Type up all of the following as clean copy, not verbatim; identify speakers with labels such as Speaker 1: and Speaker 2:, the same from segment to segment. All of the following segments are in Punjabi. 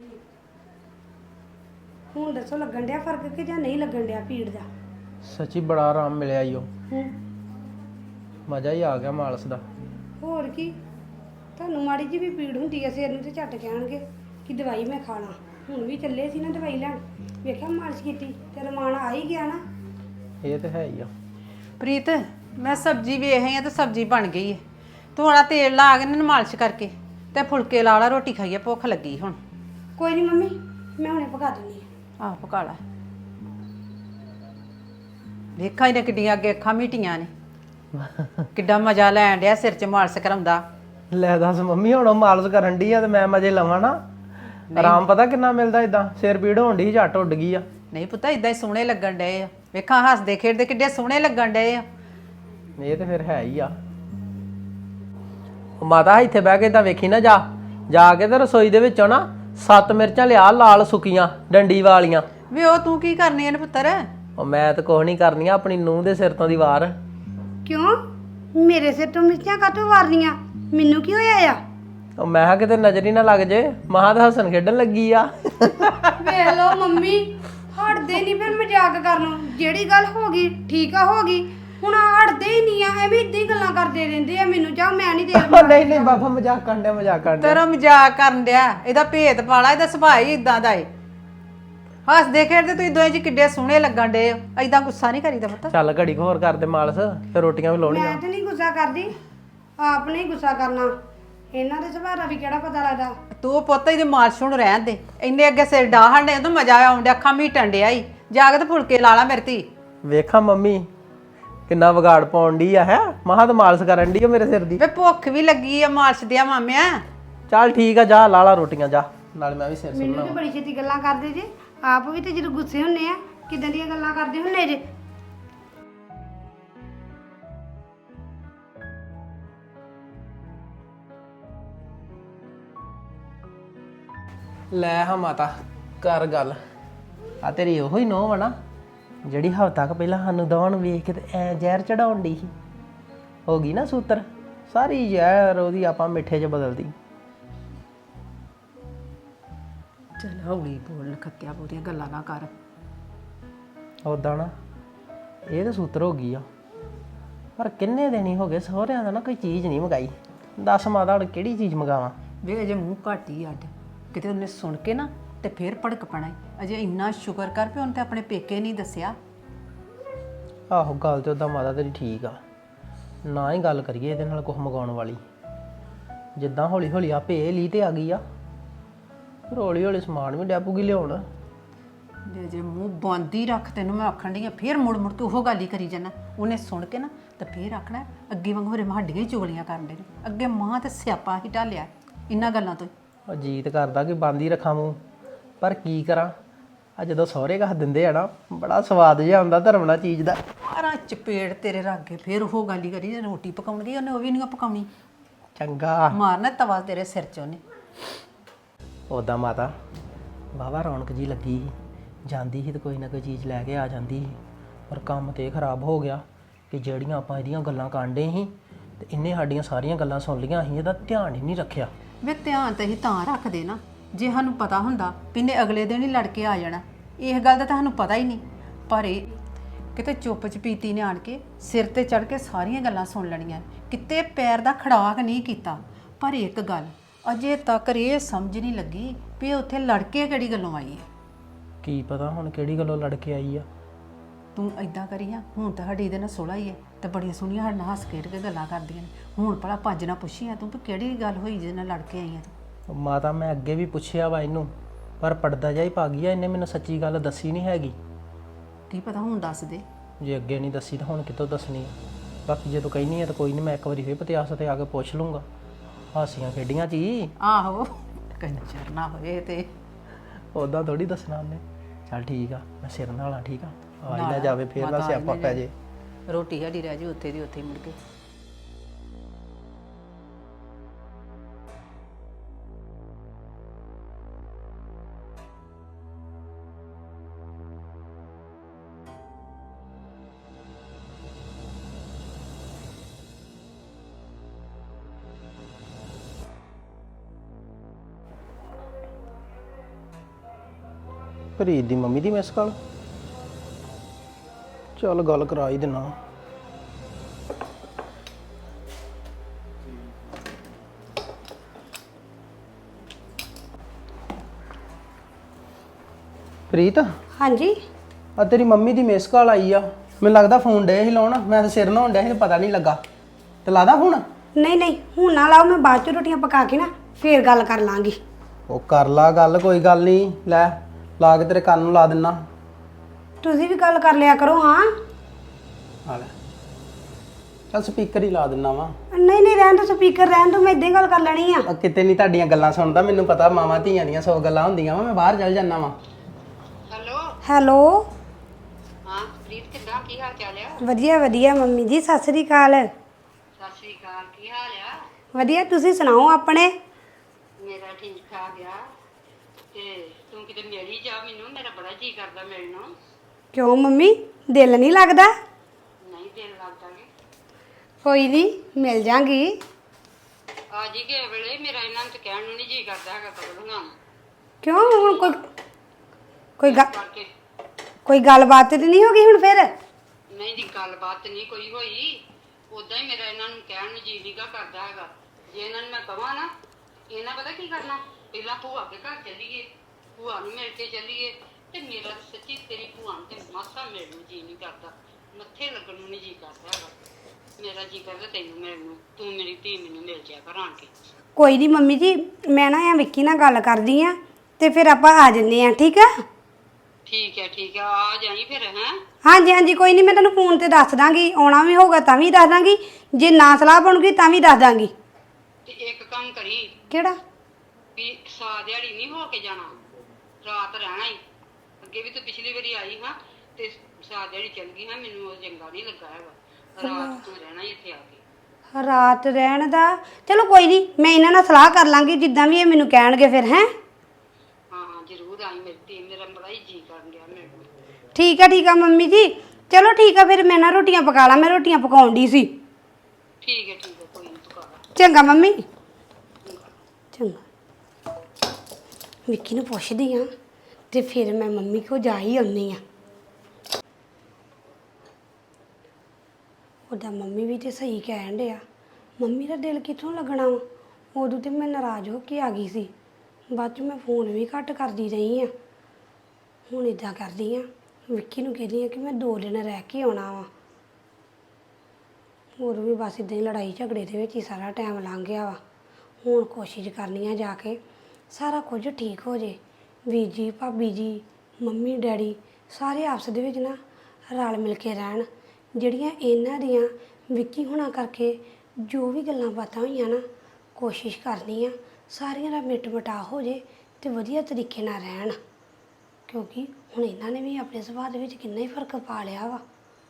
Speaker 1: ਹੁਣ ਦੱਸੋ ਲੱਗਣ ਡਿਆ ਫਰਕ ਕਿ ਜਾਂ ਨਹੀਂ ਲੱਗਣ ਡਿਆ ਪੀੜ ਦਾ?
Speaker 2: ਸੱਚੀ ਬੜਾ ਆਰਾਮ ਮਿਲਿਆ ਈ ਉਹ।
Speaker 1: ਹੂੰ।
Speaker 2: ਮਜ਼ਾ ਹੀ ਆ ਗਿਆ ਮਾਲਸ ਦਾ।
Speaker 1: ਹੋਰ ਕੀ, ਤੁਹਾਨੂੰ ਮਾੜੀ ਜੀ ਵੀ ਪੀੜ ਹੁੰਦੀ ਐ ਸਿਰ ਨੂੰ ਤੇ ਝੱਟ ਕਹਿਣਗੇ ਕਿ ਦਵਾਈ ਮੈਂ ਖਾ ਲਾਂ। ਹੁਣ ਵੀ ਚੱਲੇ ਸੀ ਨਾ ਦਵਾਈ ਲੈਣ, ਵੇਖਿਆ ਮਾਲਿਸ਼ ਕੀਤੀ ਤੇ ਰਮਾਨ ਆ ਹੀ ਗਿਆ ਨਾ।
Speaker 2: ਇਹ ਤੇ ਹੈ ਹੀ ਆ।
Speaker 3: ਪ੍ਰੀਤ, ਮੈਂ ਸਬਜ਼ੀ ਵੇਖ ਆਈ ਆ ਤੇ ਸਬਜ਼ੀ ਬਣ ਗਈ ਹੈ। ਤੂੰ ਆਲਾ ਤੇਲ ਲਾ ਕੇ ਨਾ ਮਾਲਿਸ਼ ਕਰਕੇ ਤੇ ਫੁਲਕੇ ਲਾ ਲਾ, ਰੋਟੀ ਖਾਈਏ, ਭੁੱਖ ਲੱਗੀ ਹੁਣ।
Speaker 1: ਕੋਈ ਨਹੀਂ ਮੰਮੀ, ਮੈਂ ਹੁਣੇ ਪਕਾ ਦਿੰਦੀ ਆ।
Speaker 3: ਆਹ ਪਕਾ ਲਾ। ਵੇਖਾਂ ਇਹਨੇ ਕਿੱਡੀਆਂ ਅੱਗੇ ਅੱਖਾਂ ਮੀਟੀਆਂ ਨੇ, ਕਿੱਡਾ ਮਜ਼ਾ ਲੈਣ ਡਿਆ ਸਿਰ 'ਚ ਮਾਲਿਸ਼ ਕਰਾਉਂਦਾ।
Speaker 2: ਲੈ ਦੱਸ ਮੰਮੀ, ਹੁਣ ਉਹ ਮਾਲਸ ਕਰਨ ਡਈ ਆ ਤੇ ਮੈਂ ਮਜ਼ੇ ਲਵਾਂ ਨਾ। ਆਰਾਮ ਪਤਾ ਕਿੰਨਾ ਮਿਲਦਾ, ਇਦਾਂ ਸਿਰ ਪੀੜ ਹੋਣ ਡਈ, ਝੱਟ ਉੱਡ ਗਈ ਆ।
Speaker 3: ਨਹੀਂ ਪੁੱਤਾ, ਇਦਾਂ ਹੀ ਸੋਹਣੇ ਲੱਗਣ ਡਏ ਆ। ਵੇਖਾਂ ਹੱਸਦੇ ਖੇਡਦੇ ਕਿੱਡੇ ਸੋਹਣੇ ਲੱਗਣ ਡਏ ਆ।
Speaker 2: ਇਹ ਤੇ ਫਿਰ ਹੈ ਹੀ ਆ। ਉਹ ਮਾਤਾ ਇੱਥੇ ਬਹਿ ਕੇ ਤਾਂ ਵੇਖੀ ਨਾ, ਜਾ ਕੇ ਤੇ ਰਸੋਈ ਦੇ ਵਿੱਚੋਂ ਨਾ 7 ਮਿਰਚਾਂ ਲਿਆ, ਲਾਲ ਸੁੱਕੀਆਂ ਡੰਡੀ ਵਾਲੀਆਂ।
Speaker 3: ਵੇ ਉਹ ਤੂੰ ਕੀ ਕਰਨੀ ਨੇ ਪੁੱਤਰ?
Speaker 2: ਉਹ ਮੈਂ ਤਾਂ ਕੁਛ ਨਹੀਂ ਕਰਨੀਆਂ, ਆਪਣੀ ਨੂੰਹ ਦੇ ਸਿਰ ਤੋਂ ਦੀ ਵਾਰ।
Speaker 1: ਕਿਉਂ? ਮੇਰੇ ਸਿਰ ਤੋਂ ਮਿਰਚਾਂ ਕਾਹਤੋਂ ਵਾਰਨੀਆਂ? ਮੈਨੂੰ ਕੀ ਹੋਇਆ ਆ?
Speaker 2: ਉਹ ਮੈਂ ਕਿਹਾ ਕਿਤੇ ਨਜ਼ਰ ਹੀ ਨਾ ਲੱਗ ਜੇ, ਮਹਾਂ ਤਾਂ ਹੱਸਣ ਖੇਡਣ ਲੱਗੀ ਆ।
Speaker 1: ਵੇਖ ਲਓ ਮੰਮੀ, ਹਟਦੇ ਨਹੀਂ ਫਿਰ ਮਜ਼ਾਕ ਕਰਨੋਂ। ਜਿਹੜੀ ਗੱਲ ਹੋ ਗਈ ਠੀਕ ਆ, ਹੋ ਗਈ। ਹੁਣ ਹਟਦੇ ਹੀ ਨਹੀਂ ਆ, ਐਵੇਂ ਇਦਾਂ ਹੀ ਗੱਲਾਂ ਕਰਦੇ ਰਹਿੰਦੇ ਆ। ਮੈਨੂੰ ਜਾ, ਮੈਂ ਨਹੀਂ ਦੇਖਦਾ।
Speaker 2: ਨਹੀਂ ਬਾਬਾ, ਮਜ਼ਾਕ ਕਰਨ ਡਿਆ, ਮਜ਼ਾਕ ਕਰਨ ਡਿਆ।
Speaker 3: ਤੇਰਾ ਮਜ਼ਾਕ ਕਰਨ ਡਿਆ। ਇਹਦਾ ਭੇਤ ਪਾਲਾ, ਇਹਦਾ ਸੁਭਾਅ ਹੀ ਇਦਾਂ ਦਾ ਏ। ਹੱਸਦੇ ਖੇਡਦੇ ਤੁਸੀਂ ਦੋਵੇਂ ਜੀ ਕਿੱਡੇ ਸੋਹਣੇ ਲੱਗਣ ਡੇ ਹੋ। ਏਦਾਂ ਗੁੱਸਾ ਨਹੀਂ ਕਰੀਦਾ ਪੁੱਤ।
Speaker 2: ਚੱਲ ਘੜੀ ਕੁ ਹੋਰ ਕਰਦੇ ਮਾਲਸ, ਫਿਰ ਰੋਟੀਆਂ ਵੀ ਲਾਉਣੀਆਂ।
Speaker 1: ਮੈਂ ਤੇ ਨਹੀਂ ਗੁੱਸਾ ਕਰਦੀ, ਆਪ ਨਹੀਂ ਗੁੱਸਾ ਕਰਨਾ। ਇਹਨਾਂ ਦੇ ਸੁਭਾਅ ਦਾ ਵੀ ਕਿਹੜਾ ਪਤਾ ਲੱਗਦਾ।
Speaker 3: ਤੂੰ ਪੁੱਤ ਇਹਦੇ ਮਾਲਸ਼ ਨੂੰ ਰਹਿਣ ਦੇ। ਇੰਨੇ ਅੱਗੇ ਸਿਰ ਡਾਹਣ ਡੇ ਤਾਂ ਮਜ਼ਾ ਆਉਂਦਾ, ਅੱਖਾਂ ਮੀਟਣ ਡਿਆ ਈ। ਜਾ ਕੇ ਤੇ ਫੁਲਕੇ ਲਾ ਲਾ ਮੇਰੀ ਧੀ।
Speaker 2: ਵੇਖਾਂ ਮੰਮੀ ਕਿੰਨਾ ਵਿਗਾੜ ਪਾਉਣ ਡਈ ਆ। ਹੈ ਮਹਾਂ ਤਾਂ ਮਾਲਸ ਕਰਨ ਡਈ ਆ ਮੇਰੇ ਸਿਰ ਦੀ।
Speaker 3: ਵੇ ਭੁੱਖ ਵੀ ਲੱਗੀ ਆ ਮਾਲਸ਼ ਦਿਆ ਮਾਮਿਆਂ।
Speaker 2: ਚੱਲ ਠੀਕ ਆ, ਜਾ ਲਾ ਲਾ ਰੋਟੀਆਂ, ਜਾ ਨਾਲ ਮੈਂ ਵੀ ਸਿਰ
Speaker 1: ਮੈਨੂੰ
Speaker 2: ਸੁਣਨਾ।
Speaker 1: ਤੇ ਬੜੀ ਛੇਤੀ ਗੱਲਾਂ ਕਰਦੇ ਜੇ, ਆਪ ਵੀ ਤੇ ਜਦੋਂ ਗੁੱਸੇ ਹੁੰਨੇ ਆ ਕਿਦਾਂ ਦੀਆਂ ਗੱਲਾਂ ਕਰਦੇ ਹੁੰਨੇ ਜੇ।
Speaker 2: ਲੈ ਹਾਂ ਮਾਤਾ, ਕਰ ਗੱਲ। ਆ ਤੇਰੀ ਉਹੋ ਹੀ ਨੋਹ ਵਾ ਨਾ, ਜਿਹੜੀ ਹਫ਼ਤਾ ਕੁ ਪਹਿਲਾਂ ਸਾਨੂੰ ਦੋਵਾਂ ਨੂੰ ਵੇਖ ਕੇ ਤੇ ਐ ਜ਼ਹਿਰ ਚੜਾਉਣ ਡਈ ਸੀ। ਹੋ ਗਈ ਨਾ ਸੂਤਰ, ਸਾਰੀ ਜ਼ਹਿਰ ਉਹਦੀ ਆਪਾਂ ਮਿੱਠੇ 'ਚ ਬਦਲਦੀ।
Speaker 3: ਚੱਲ ਹੌਲੀ ਬੋਲ, ਖੱਤਿਆ ਬੋਰੀਆਂ ਗੱਲਾਂ ਨਾ ਕਰ।
Speaker 2: ਉਦਾਂ ਨਾ ਇਹ ਤਾਂ ਸੂਤਰ ਹੋ ਗਈ ਆ, ਪਰ ਕਿੰਨੇ ਦਿਨ ਹੀ ਹੋ ਗਏ ਸਹੁਰਿਆਂ ਦਾ ਨਾ ਕੋਈ ਚੀਜ਼ ਨਹੀਂ ਮੰਗਾਈ। ਦੱਸ ਮਾਤਾ, ਹੁਣ ਕਿਹੜੀ ਚੀਜ਼ ਮੰਗਾਵਾਂ?
Speaker 3: ਵੇ ਅਜੇ ਮੂੰਹ ਘੱਟ ਹੀ ਅੱਡ, ਕਿਤੇ ਉਹਨੇ ਸੁਣ ਕੇ ਨਾ ਤੇ ਫੇਰ ਭੜਕ ਪੈਣਾ ਈ। ਅਜੇ ਇੰਨਾ ਸ਼ੁਕਰ ਕਰ ਪਿਓ ਉਹਨੇ ਤੇ ਆਪਣੇ ਪੇਕੇ ਨਹੀਂ ਦੱਸਿਆ।
Speaker 2: ਆਹੋ ਗੱਲ ਤੇ ਉਦਾਂ ਮਾਤਾ ਤੇਰੀ ਠੀਕ ਆ, ਨਾ ਹੀ ਗੱਲ ਕਰੀਏ ਇਹਦੇ ਨਾਲ ਕੁਝ ਮੰਗਾਉਣ ਵਾਲੀ। ਜਿੱਦਾਂ ਹੌਲੀ ਹੌਲੀ ਆਪੇ ਇਹ ਲੀ ਤੇ ਆ ਗਈ ਆ, ਫਿਰ ਹੌਲੀ ਹੌਲੀ ਸਮਾਨ ਵੀ ਡੈਪੂਗੀ ਲਿਆਉਣ।
Speaker 3: ਜੇ ਮੂੰਹ ਬੰਦ ਹੀ ਰੱਖ, ਤੈਨੂੰ ਮੈਂ ਆਖਣ ਡਈ ਆ। ਫੇਰ ਮੁੜ ਮੁੜ ਕੇ ਉਹ ਗੱਲ ਹੀ ਕਰੀ ਜਾਣਾ। ਉਹਨੇ ਸੁਣ ਕੇ ਨਾ ਤੇ ਫੇਰ ਆਖਣਾ ਅੱਗੇ ਵਾਂਗ ਮੇਰੇ ਮਾਡੀਆਂ ਹੀ ਚੁਗਲੀਆਂ ਕਰਨ ਦੇ ਨੇ। ਅੱਗੇ ਮਾਂ ਤੇ ਸਿਆਪਾ ਹੀ ਢਾਲਿਆ ਇਹਨਾਂ ਗੱਲਾਂ ਤੋਂ।
Speaker 2: ਅਜੀਤ ਕਰਦਾ ਕਿ ਬੰਦ ਹੀ ਰੱਖਾਂ ਮੂੰਹ, ਪਰ ਕੀ ਕਰਾਂ। ਆ ਜਦੋਂ ਸਹੁਰੇ ਘਰ ਦਿੰਦੇ ਆ ਨਾ, ਬੜਾ ਸਵਾਦ ਜਿਹਾ ਆਉਂਦਾ ਧਰਮਣਾ ਚੀਜ਼ ਦਾ।
Speaker 3: ਮਾਰਾਂ ਚਪੇੜ ਤੇਰੇ ਰਾਗੇ। ਫੇਰ ਉਹ ਗੱਲ ਹੀ ਕਰੀ, ਰੋਟੀ ਪਕਾਉਣ ਗਈ ਉਹਨੇ, ਉਹ ਵੀ ਨਹੀਂ ਪਕਾਉਣੀ।
Speaker 2: ਚੰਗਾ
Speaker 3: ਮਾਰਨਾ ਤਵਾ ਤੇਰੇ ਸਿਰ 'ਚ ਉਹਨੇ।
Speaker 2: ਉੱਦਾਂ ਮਾਤਾ ਵਾਹਵਾ ਰੌਣਕ ਜੀ ਲੱਗੀ ਸੀ, ਜਾਂਦੀ ਸੀ ਤੇ ਕੋਈ ਨਾ ਕੋਈ ਚੀਜ਼ ਲੈ ਕੇ ਆ ਜਾਂਦੀ ਸੀ। ਪਰ ਕੰਮ ਤੇ ਖਰਾਬ ਹੋ ਗਿਆ ਕਿ ਜਿਹੜੀਆਂ ਆਪਾਂ ਇਹਦੀਆਂ ਗੱਲਾਂ ਕਾਂਡੇ ਸੀ ਤੇ ਇਹਨੇ ਸਾਡੀਆਂ ਸਾਰੀਆਂ ਗੱਲਾਂ ਸੁਣ ਲਈਆਂ, ਅਸੀਂ ਇਹਦਾ ਧਿਆਨ ਹੀ ਨਹੀਂ ਰੱਖਿਆ।
Speaker 3: ਵੇ ਧਿਆਨ ਤਾਂ ਹੀ ਤਾਂ ਰੱਖਦੇ ਨਾ, ਜੇ ਸਾਨੂੰ ਪਤਾ ਹੁੰਦਾ ਵੀ ਇਹਨੇ ਅਗਲੇ ਦਿਨ ਹੀ ਲੜ ਕੇ ਆ ਜਾਣਾ। ਇਹ ਗੱਲ ਦਾ ਤੁਹਾਨੂੰ ਪਤਾ ਹੀ ਨਹੀਂ, ਪਰ ਇਹ ਕਿਤੇ ਚੁੱਪ ਚਪੀਤੀ ਨੇ ਆਣ ਕੇ ਸਿਰ ਤੇ ਚੜ ਕੇ ਸਾਰੀਆਂ ਗੱਲਾਂ ਸੁਣ ਲੈਣੀਆਂ। ਕਿਤੇ ਪੈਰ ਦਾ ਖੜਾਕ ਨਹੀਂ ਕੀਤਾ। ਪਰ ਇੱਕ ਗੱਲ ਅਜੇ ਤੱਕ ਇਹ ਸਮਝ ਨਹੀਂ ਲੱਗੀ ਵੀ ਉੱਥੇ ਲੜ ਕੇ ਕਿਹੜੀ ਗੱਲੋਂ ਆਈ ਹੈ।
Speaker 2: ਕੀ ਪਤਾ ਹੁਣ ਕਿਹੜੀ ਗੱਲੋਂ ਲੜ ਕੇ ਆਈ ਆ।
Speaker 3: ਤੂੰ ਇਦਾਂ ਕਰੀ ਆ, ਹੁਣ ਤਾਂ ਸਾਡੀ ਇਹਦੇ ਨਾਲ ਸੁਲਾ ਹੀ ਹੈ ਤੇ ਬੜੀਆਂ ਸੋਹਣੀਆਂ ਸਾਡੇ ਨਾਲ ਹੱਸ ਖੇਡ ਕੇ ਗੱਲਾਂ ਕਰਦੀਆਂ ਨੇ। ਹੁਣ ਭਲਾ ਭੱਜ ਨਾ ਪੁੱਛੀ ਆ ਤੂੰ ਵੀ ਕਿਹੜੀ ਗੱਲ ਹੋਈ ਜਿਹਦੇ ਨਾਲ ਲੜ ਕੇ ਆਈ ਆ ਤੂੰ।
Speaker 2: ਮਾਤਾ ਮੈਂ ਅੱਗੇ ਵੀ ਪੁੱਛਿਆ ਵਾ ਇਹਨੂੰ, ਪਰ ਪੜਦਾ ਜਿਹਾ ਹੀ ਪਾ ਗਈ ਆ। ਇਹਨੇ ਮੈਨੂੰ ਸੱਚੀ ਗੱਲ ਦੱਸੀ ਨਹੀਂ ਹੈਗੀ।
Speaker 3: ਕੀ ਪਤਾ ਹੁਣ ਦੱਸ ਦੇ।
Speaker 2: ਜੇ ਅੱਗੇ ਨਹੀਂ ਦੱਸੀ ਤਾਂ ਹੁਣ ਕਿੱਥੋਂ ਦੱਸਣੀ ਆ। ਬਾਕੀ ਜੇ ਤੂੰ ਕਹਿੰਦੀ ਆ ਤਾਂ ਕੋਈ ਨਹੀਂ, ਮੈਂ ਇੱਕ ਵਾਰੀ ਫੇਰ ਪਤਿਆਸ ਤੇ ਆ ਕੇ ਪੁੱਛ ਲੂੰਗਾ। ਹਾਸੀਆਂ ਖੇਡੀਆਂ ਚ ਹੀ
Speaker 3: ਆਹੋ, ਕੰਜਰ ਨਾ ਹੋਏ ਤੇ
Speaker 2: ਉੱਦਾਂ ਥੋੜੀ ਦੱਸਣਾ ਉਹਨੇ। ਚੱਲ ਠੀਕ ਆ, ਮੈਂ ਸਿਰ ਨਾਲਾਂ ਠੀਕ ਆ, ਆ ਹੀ ਨਾ ਜਾਵੇ ਫੇਰ ਨਾ ਸਿਆਪਾ ਪੈ ਜੇ।
Speaker 3: ਰੋਟੀ ਸਾਡੀ ਰਹਿ ਜੀ ਉੱਥੇ ਦੀ ਉੱਥੇ ਹੀ ਮੁੜ ਕੇ।
Speaker 2: ਫਰੀਦ ਦੀ ਮੰਮੀ ਦੀ ਮਿਸ ਕਾਲ। ਚੱਲ ਗੱਲ ਕਰਾ ਹੀ ਦਿਨਾ। ਪ੍ਰੀਤ,
Speaker 1: ਹਾਂਜੀ
Speaker 2: ਆ ਤੇਰੀ ਮੰਮੀ ਦੀ ਮਿਸ ਕਾਲ ਆਈ ਆ। ਮੈਨੂੰ ਲੱਗਦਾ ਫੋਨ ਡੇ ਹੀ ਲਾਉਣ, ਮੈਂ ਤਾਂ ਸਿਰ ਨਹਾਉਣ ਡਿਆ ਸੀ, ਪਤਾ ਨਹੀਂ ਲੱਗਾ। ਤੇ ਲਾਦਾ ਫੋਨ?
Speaker 1: ਨਹੀਂ ਨਹੀਂ ਹੁਣ ਨਾ ਲਾਓ, ਮੈਂ ਬਾਅਦ ਚ ਰੋਟੀਆਂ ਪਕਾ ਕੇ ਨਾ ਫੇਰ ਗੱਲ ਕਰ ਲਾਂਗੀ।
Speaker 2: ਉਹ ਕਰ ਲਾ ਗੱਲ, ਕੋਈ ਗੱਲ ਨਹੀਂ। ਲੈ ਲਾ ਕੇ ਤੇਰੇ ਕੰਨ ਨੂੰ ਲਾ ਦਿੰਨਾ।
Speaker 1: ਤੁਸੀਂ ਵੀ ਗੱਲ ਕਰ ਲਿਆ ਕਰੋ। ਹਾਂ
Speaker 2: ਆ ਲੈ, ਚੱਲ ਸਪੀਕਰ ਹੀ ਲਾ ਦਿੰਨਾ ਵਾ।
Speaker 1: ਨਹੀਂ ਨਹੀਂ ਰਹਿਣ ਦੋ, ਸਪੀਕਰ ਰਹਿਣ ਦੋ, ਮੈਂ ਇਦਾਂ ਹੀ ਗੱਲ ਕਰ ਲੈਣੀ ਆ।
Speaker 2: ਕਿਤੇ ਨਹੀਂ ਤੁਹਾਡੀਆਂ ਗੱਲਾਂ ਸੁਣਦਾ, ਮੈਨੂੰ ਪਤਾ ਮਾਵਾਂ ਧੀਆਂ ਦੀਆਂ 100 ਗੱਲਾਂ ਹੁੰਦੀਆਂ ਵਾ। ਮੈਂ ਬਾਹਰ ਚੱਲ ਜਾਣਾ ਵਾ।
Speaker 1: ਹੈਲੋ
Speaker 4: ਹਾਂ ਪ੍ਰੀਤ, ਕਿੱਦਾਂ? ਕੀ ਹਾਲ ਚਾਲ ਆ?
Speaker 1: ਵਧੀਆ ਵਧੀਆ ਮੰਮੀ ਜੀ, ਸਤਿ ਸ੍ਰੀ ਅਕਾਲ।
Speaker 4: ਸਤਿ ਸ੍ਰੀ ਅਕਾਲ, ਕੀ ਹਾਲ ਆ?
Speaker 1: ਵਧੀਆ, ਤੁਸੀਂ ਸੁਣਾਓ ਆਪਣੇ।
Speaker 4: ਮੇਰਾ ਠੀਕ ਠਾਕ ਆ। ਤੇ ਤੂੰ ਕਿਤੇ ਮਿਲ ਹੀ ਜਾ ਮੈਨੂੰ, ਮੇਰਾ ਬੜਾ ਜੀ ਕਰਦਾ ਮਿਲਣ ਨੂੰ।
Speaker 1: ਕਿਉਂ ਮੰਮੀ, ਦਿਲ ਨਹੀਂ ਲੱਗਦਾ?
Speaker 4: ਨਹੀਂ ਦਿਲ ਲੱਗਦਾ ਕਿ
Speaker 1: ਕੋਈ ਨਹੀਂ, ਮਿਲ ਜਾਾਂਗੀ।
Speaker 4: ਆ ਜੀ ਕਿਸੇ ਵੇਲੇ, ਮੇਰਾ ਇਹਨਾਂ ਨੂੰ ਤਾਂ ਕਹਿਣ ਨੂੰ ਨਹੀਂ ਜੀ ਕਰਦਾ ਹੈਗਾ ਕਦੋਂ
Speaker 1: ਕਿਉਂ ਹੁਣ
Speaker 4: ਕਰਕੇ।
Speaker 1: ਕੋਈ ਗੱਲਬਾਤ ਤੇ ਨਹੀਂ ਹੋ ਗਈ ਹੁਣ ਫਿਰ?
Speaker 4: ਨਹੀਂ ਦੀ ਗੱਲਬਾਤ ਨਹੀਂ ਕੋਈ ਹੋਈ, ਉਦਾਂ ਹੀ ਮੇਰਾ ਇਹਨਾਂ ਨੂੰ ਕਹਿਣ ਨੂੰ ਜੀ ਨੀਗਾ ਕਰਦਾ ਹੈਗਾ। ਜੇ ਇਹਨਾਂ ਨੂੰ ਮੈਂ ਕਹਾਂ ਨਾ, ਇਹਨਾਂ ਪਤਾ ਕੀ ਕਰਨਾ, ਪਹਿਲਾਂ ਭੂਆ ਦੇ ਘਰ ਚੱਲੀਏ, ਭੂਆ ਨੂੰ ਮਿਲ ਕੇ ਚੱਲੀਏ। ਤੇ ਮੇਰਾ ਤਾਂ ਸੱਚੀ ਤੇਰੀ ਭੂਆ ਨੂੰ ਤੇ ਮਾਸਾ ਮਿਲਣ ਨੂੰ ਜੀ ਨਹੀਂ ਕਰਦਾ, ਮੱਥੇ ਲੱਗਣ ਨੂੰ ਨਹੀਂ ਜੀ ਕਰਦਾ ਹੈਗਾ। ਮੇਰਾ ਜੀ ਕਰਦਾ ਤੈਨੂੰ ਮਿਲਣ ਨੂੰ, ਤੂੰ ਮੇਰੀ ਧੀ ਮੈਨੂੰ ਮਿਲ ਜਾ ਘਰ ਆਣ ਕੇ।
Speaker 1: ਕੋਈ ਨਹੀਂ ਮੰਮੀ ਜੀ, ਮੈਂ ਨਾ ਆ ਵਿੱਕੀ ਨਾਲ ਗੱਲ ਕਰਦੀ ਆ ਤੇ ਫਿਰ ਆਪਾਂ ਆ ਜੰਨੇ ਆ। ਠੀਕ ਆ?
Speaker 4: ਠੀਕ ਹੈ ਆ ਜਾਈ ਫਿਰ। ਹੈਂ
Speaker 1: ਹਾਂਜੀ ਹਾਂਜੀ ਕੋਈ ਨਹੀਂ, ਮੈਂ ਤੁਹਾਨੂੰ ਫੋਨ ਤੇ ਦੱਸ ਦਾਂਗੀ। ਆਉਣਾ ਵੀ ਹੋਊਗਾ ਤਾਂ ਵੀ ਦੱਸ ਦਾਂਗੀ, ਜੇ ਨਾ ਸਲਾਹ ਬਣੂਗੀ ਤਾਂ ਵੀ ਦੱਸ ਦਾਂਗੀ।
Speaker 4: ਤੇ ਇੱਕ ਕੰਮ ਕਰੀ,
Speaker 1: ਕਿਹੜਾ?
Speaker 4: ਵੀ ਸਾ ਦਿਹਾੜੀ ਨਹੀਂ ਹੋ ਕੇ ਜਾਣਾ, ਰਾਤ ਰਹਿਣਾ ਹੀ। ਅੱਗੇ ਵੀ ਤੂੰ ਪਿਛਲੀ ਵਾਰੀ ਆਈ ਹਾਂ ਤੇ ਸਾ ਦਿਹਾੜੀ ਚੱਲ ਗਈ ਹਾਂ, ਮੈਨੂੰ ਉਹ ਚੰਗਾ ਨਹੀਂ ਲੱਗਾ ਹੈਗਾ। ਰਾਤ ਤੂੰ ਰਹਿਣਾ ਹੀ ਇੱਥੇ ਆ ਕੇ।
Speaker 1: ਰਾਤ ਰਹਿਣ ਦਾ ਚਲੋ ਕੋਈ ਨਹੀਂ, ਮੈਂ ਇਹਨਾਂ ਨਾਲ ਸਲਾਹ ਕਰ ਲਾਂਗੀ, ਜਿੱਦਾਂ ਵੀ ਇਹ ਮੈਨੂੰ ਕਹਿਣਗੇ ਫਿਰ। ਹੈਂ
Speaker 4: ਹਾਂ ਜ਼ਰੂਰ ਆਈ ਮੇਰੀ ਧੀ, ਮੇਰਾ ਬੜਾ ਹੀ ਜੀ ਕਰਨ ਗਿਆ ਮੈਨੂੰ।
Speaker 1: ਠੀਕ ਆ ਮੰਮੀ ਜੀ, ਚਲੋ ਠੀਕ ਆ ਫਿਰ। ਮੈਂ ਨਾ ਰੋਟੀਆਂ ਪਕਾ ਲਾਂ, ਮੈਂ ਰੋਟੀਆਂ ਪਕਾਉਣ ਦੀ ਸੀ।
Speaker 4: ਠੀਕ ਹੈ ਕੋਈ ਨਹੀਂ, ਤੂੰ ਕਰ।
Speaker 1: ਚੰਗਾ ਮੰਮੀ। ਚੰਗਾ, ਵਿੱਕੀ ਨੂੰ ਪੁੱਛਦੀ ਆ ਤੇ ਫਿਰ ਮੈਂ ਮੰਮੀ ਕੋਲ ਜਾ ਹੀ ਆਉਣੀ ਆ। ਉਹਦਾ ਮੰਮੀ ਵੀ ਤੇ ਸਹੀ ਕਹਿਣ ਡਿਆ, ਮੰਮੀ ਦਾ ਦਿਲ ਕਿੱਥੋਂ ਲੱਗਣਾ ਵਾ। ਉਦੋਂ ਤੇ ਮੈਂ ਨਾਰਾਜ਼ ਹੋ ਕੇ ਆ ਗਈ ਸੀ, ਬਾਅਦ 'ਚ ਮੈਂ ਫੋਨ ਵੀ ਘੱਟ ਕਰਦੀ ਰਹੀ ਆ। ਹੁਣ ਇੱਦਾਂ ਕਰਦੀ ਆ, ਵਿੱਕੀ ਨੂੰ ਕਹਿੰਦੀ ਆ ਕਿ ਮੈਂ 2 ਦਿਨ ਰਹਿ ਕੇ ਆਉਣਾ ਵਾ। ਹੋਰ ਵੀ ਬਸ ਇੱਦਾਂ ਹੀ ਲੜਾਈ ਝਗੜੇ ਦੇ ਵਿੱਚ ਹੀ ਸਾਰਾ ਟਾਈਮ ਲੰਘ ਗਿਆ ਵਾ। ਹੁਣ ਕੋਸ਼ਿਸ਼ ਕਰਨੀ ਆ ਜਾ ਕੇ ਸਾਰਾ ਕੁਝ ਠੀਕ ਹੋ ਜੇ। ਵੀਰ ਜੀ, ਭਾਬੀ ਜੀ, ਮੰਮੀ ਡੈਡੀ ਸਾਰੇ ਆਪਸ ਦੇ ਵਿੱਚ ਨਾ ਰਲ ਮਿਲ ਕੇ ਰਹਿਣ। ਜਿਹੜੀਆਂ ਇਹਨਾਂ ਦੀਆਂ ਵਿੱਕੀ ਹੋਣਾ ਕਰਕੇ ਜੋ ਵੀ ਗੱਲਾਂ ਬਾਤਾਂ ਹੋਈਆਂ ਨਾ, ਕੋਸ਼ਿਸ਼ ਕਰਨੀ ਆ ਸਾਰੀਆਂ ਦਾ ਮਿਟ ਮਿਟਾ ਹੋ ਜੇ ਤੇ ਵਧੀਆ ਤਰੀਕੇ ਨਾਲ ਰਹਿਣ। ਕਿਉਂਕਿ ਹੁਣ ਇਹਨਾਂ ਨੇ ਵੀ ਆਪਣੇ ਸੁਭਾਅ ਦੇ ਵਿੱਚ ਕਿੰਨਾ ਹੀ ਫਰਕ ਪਾ ਲਿਆ ਵਾ।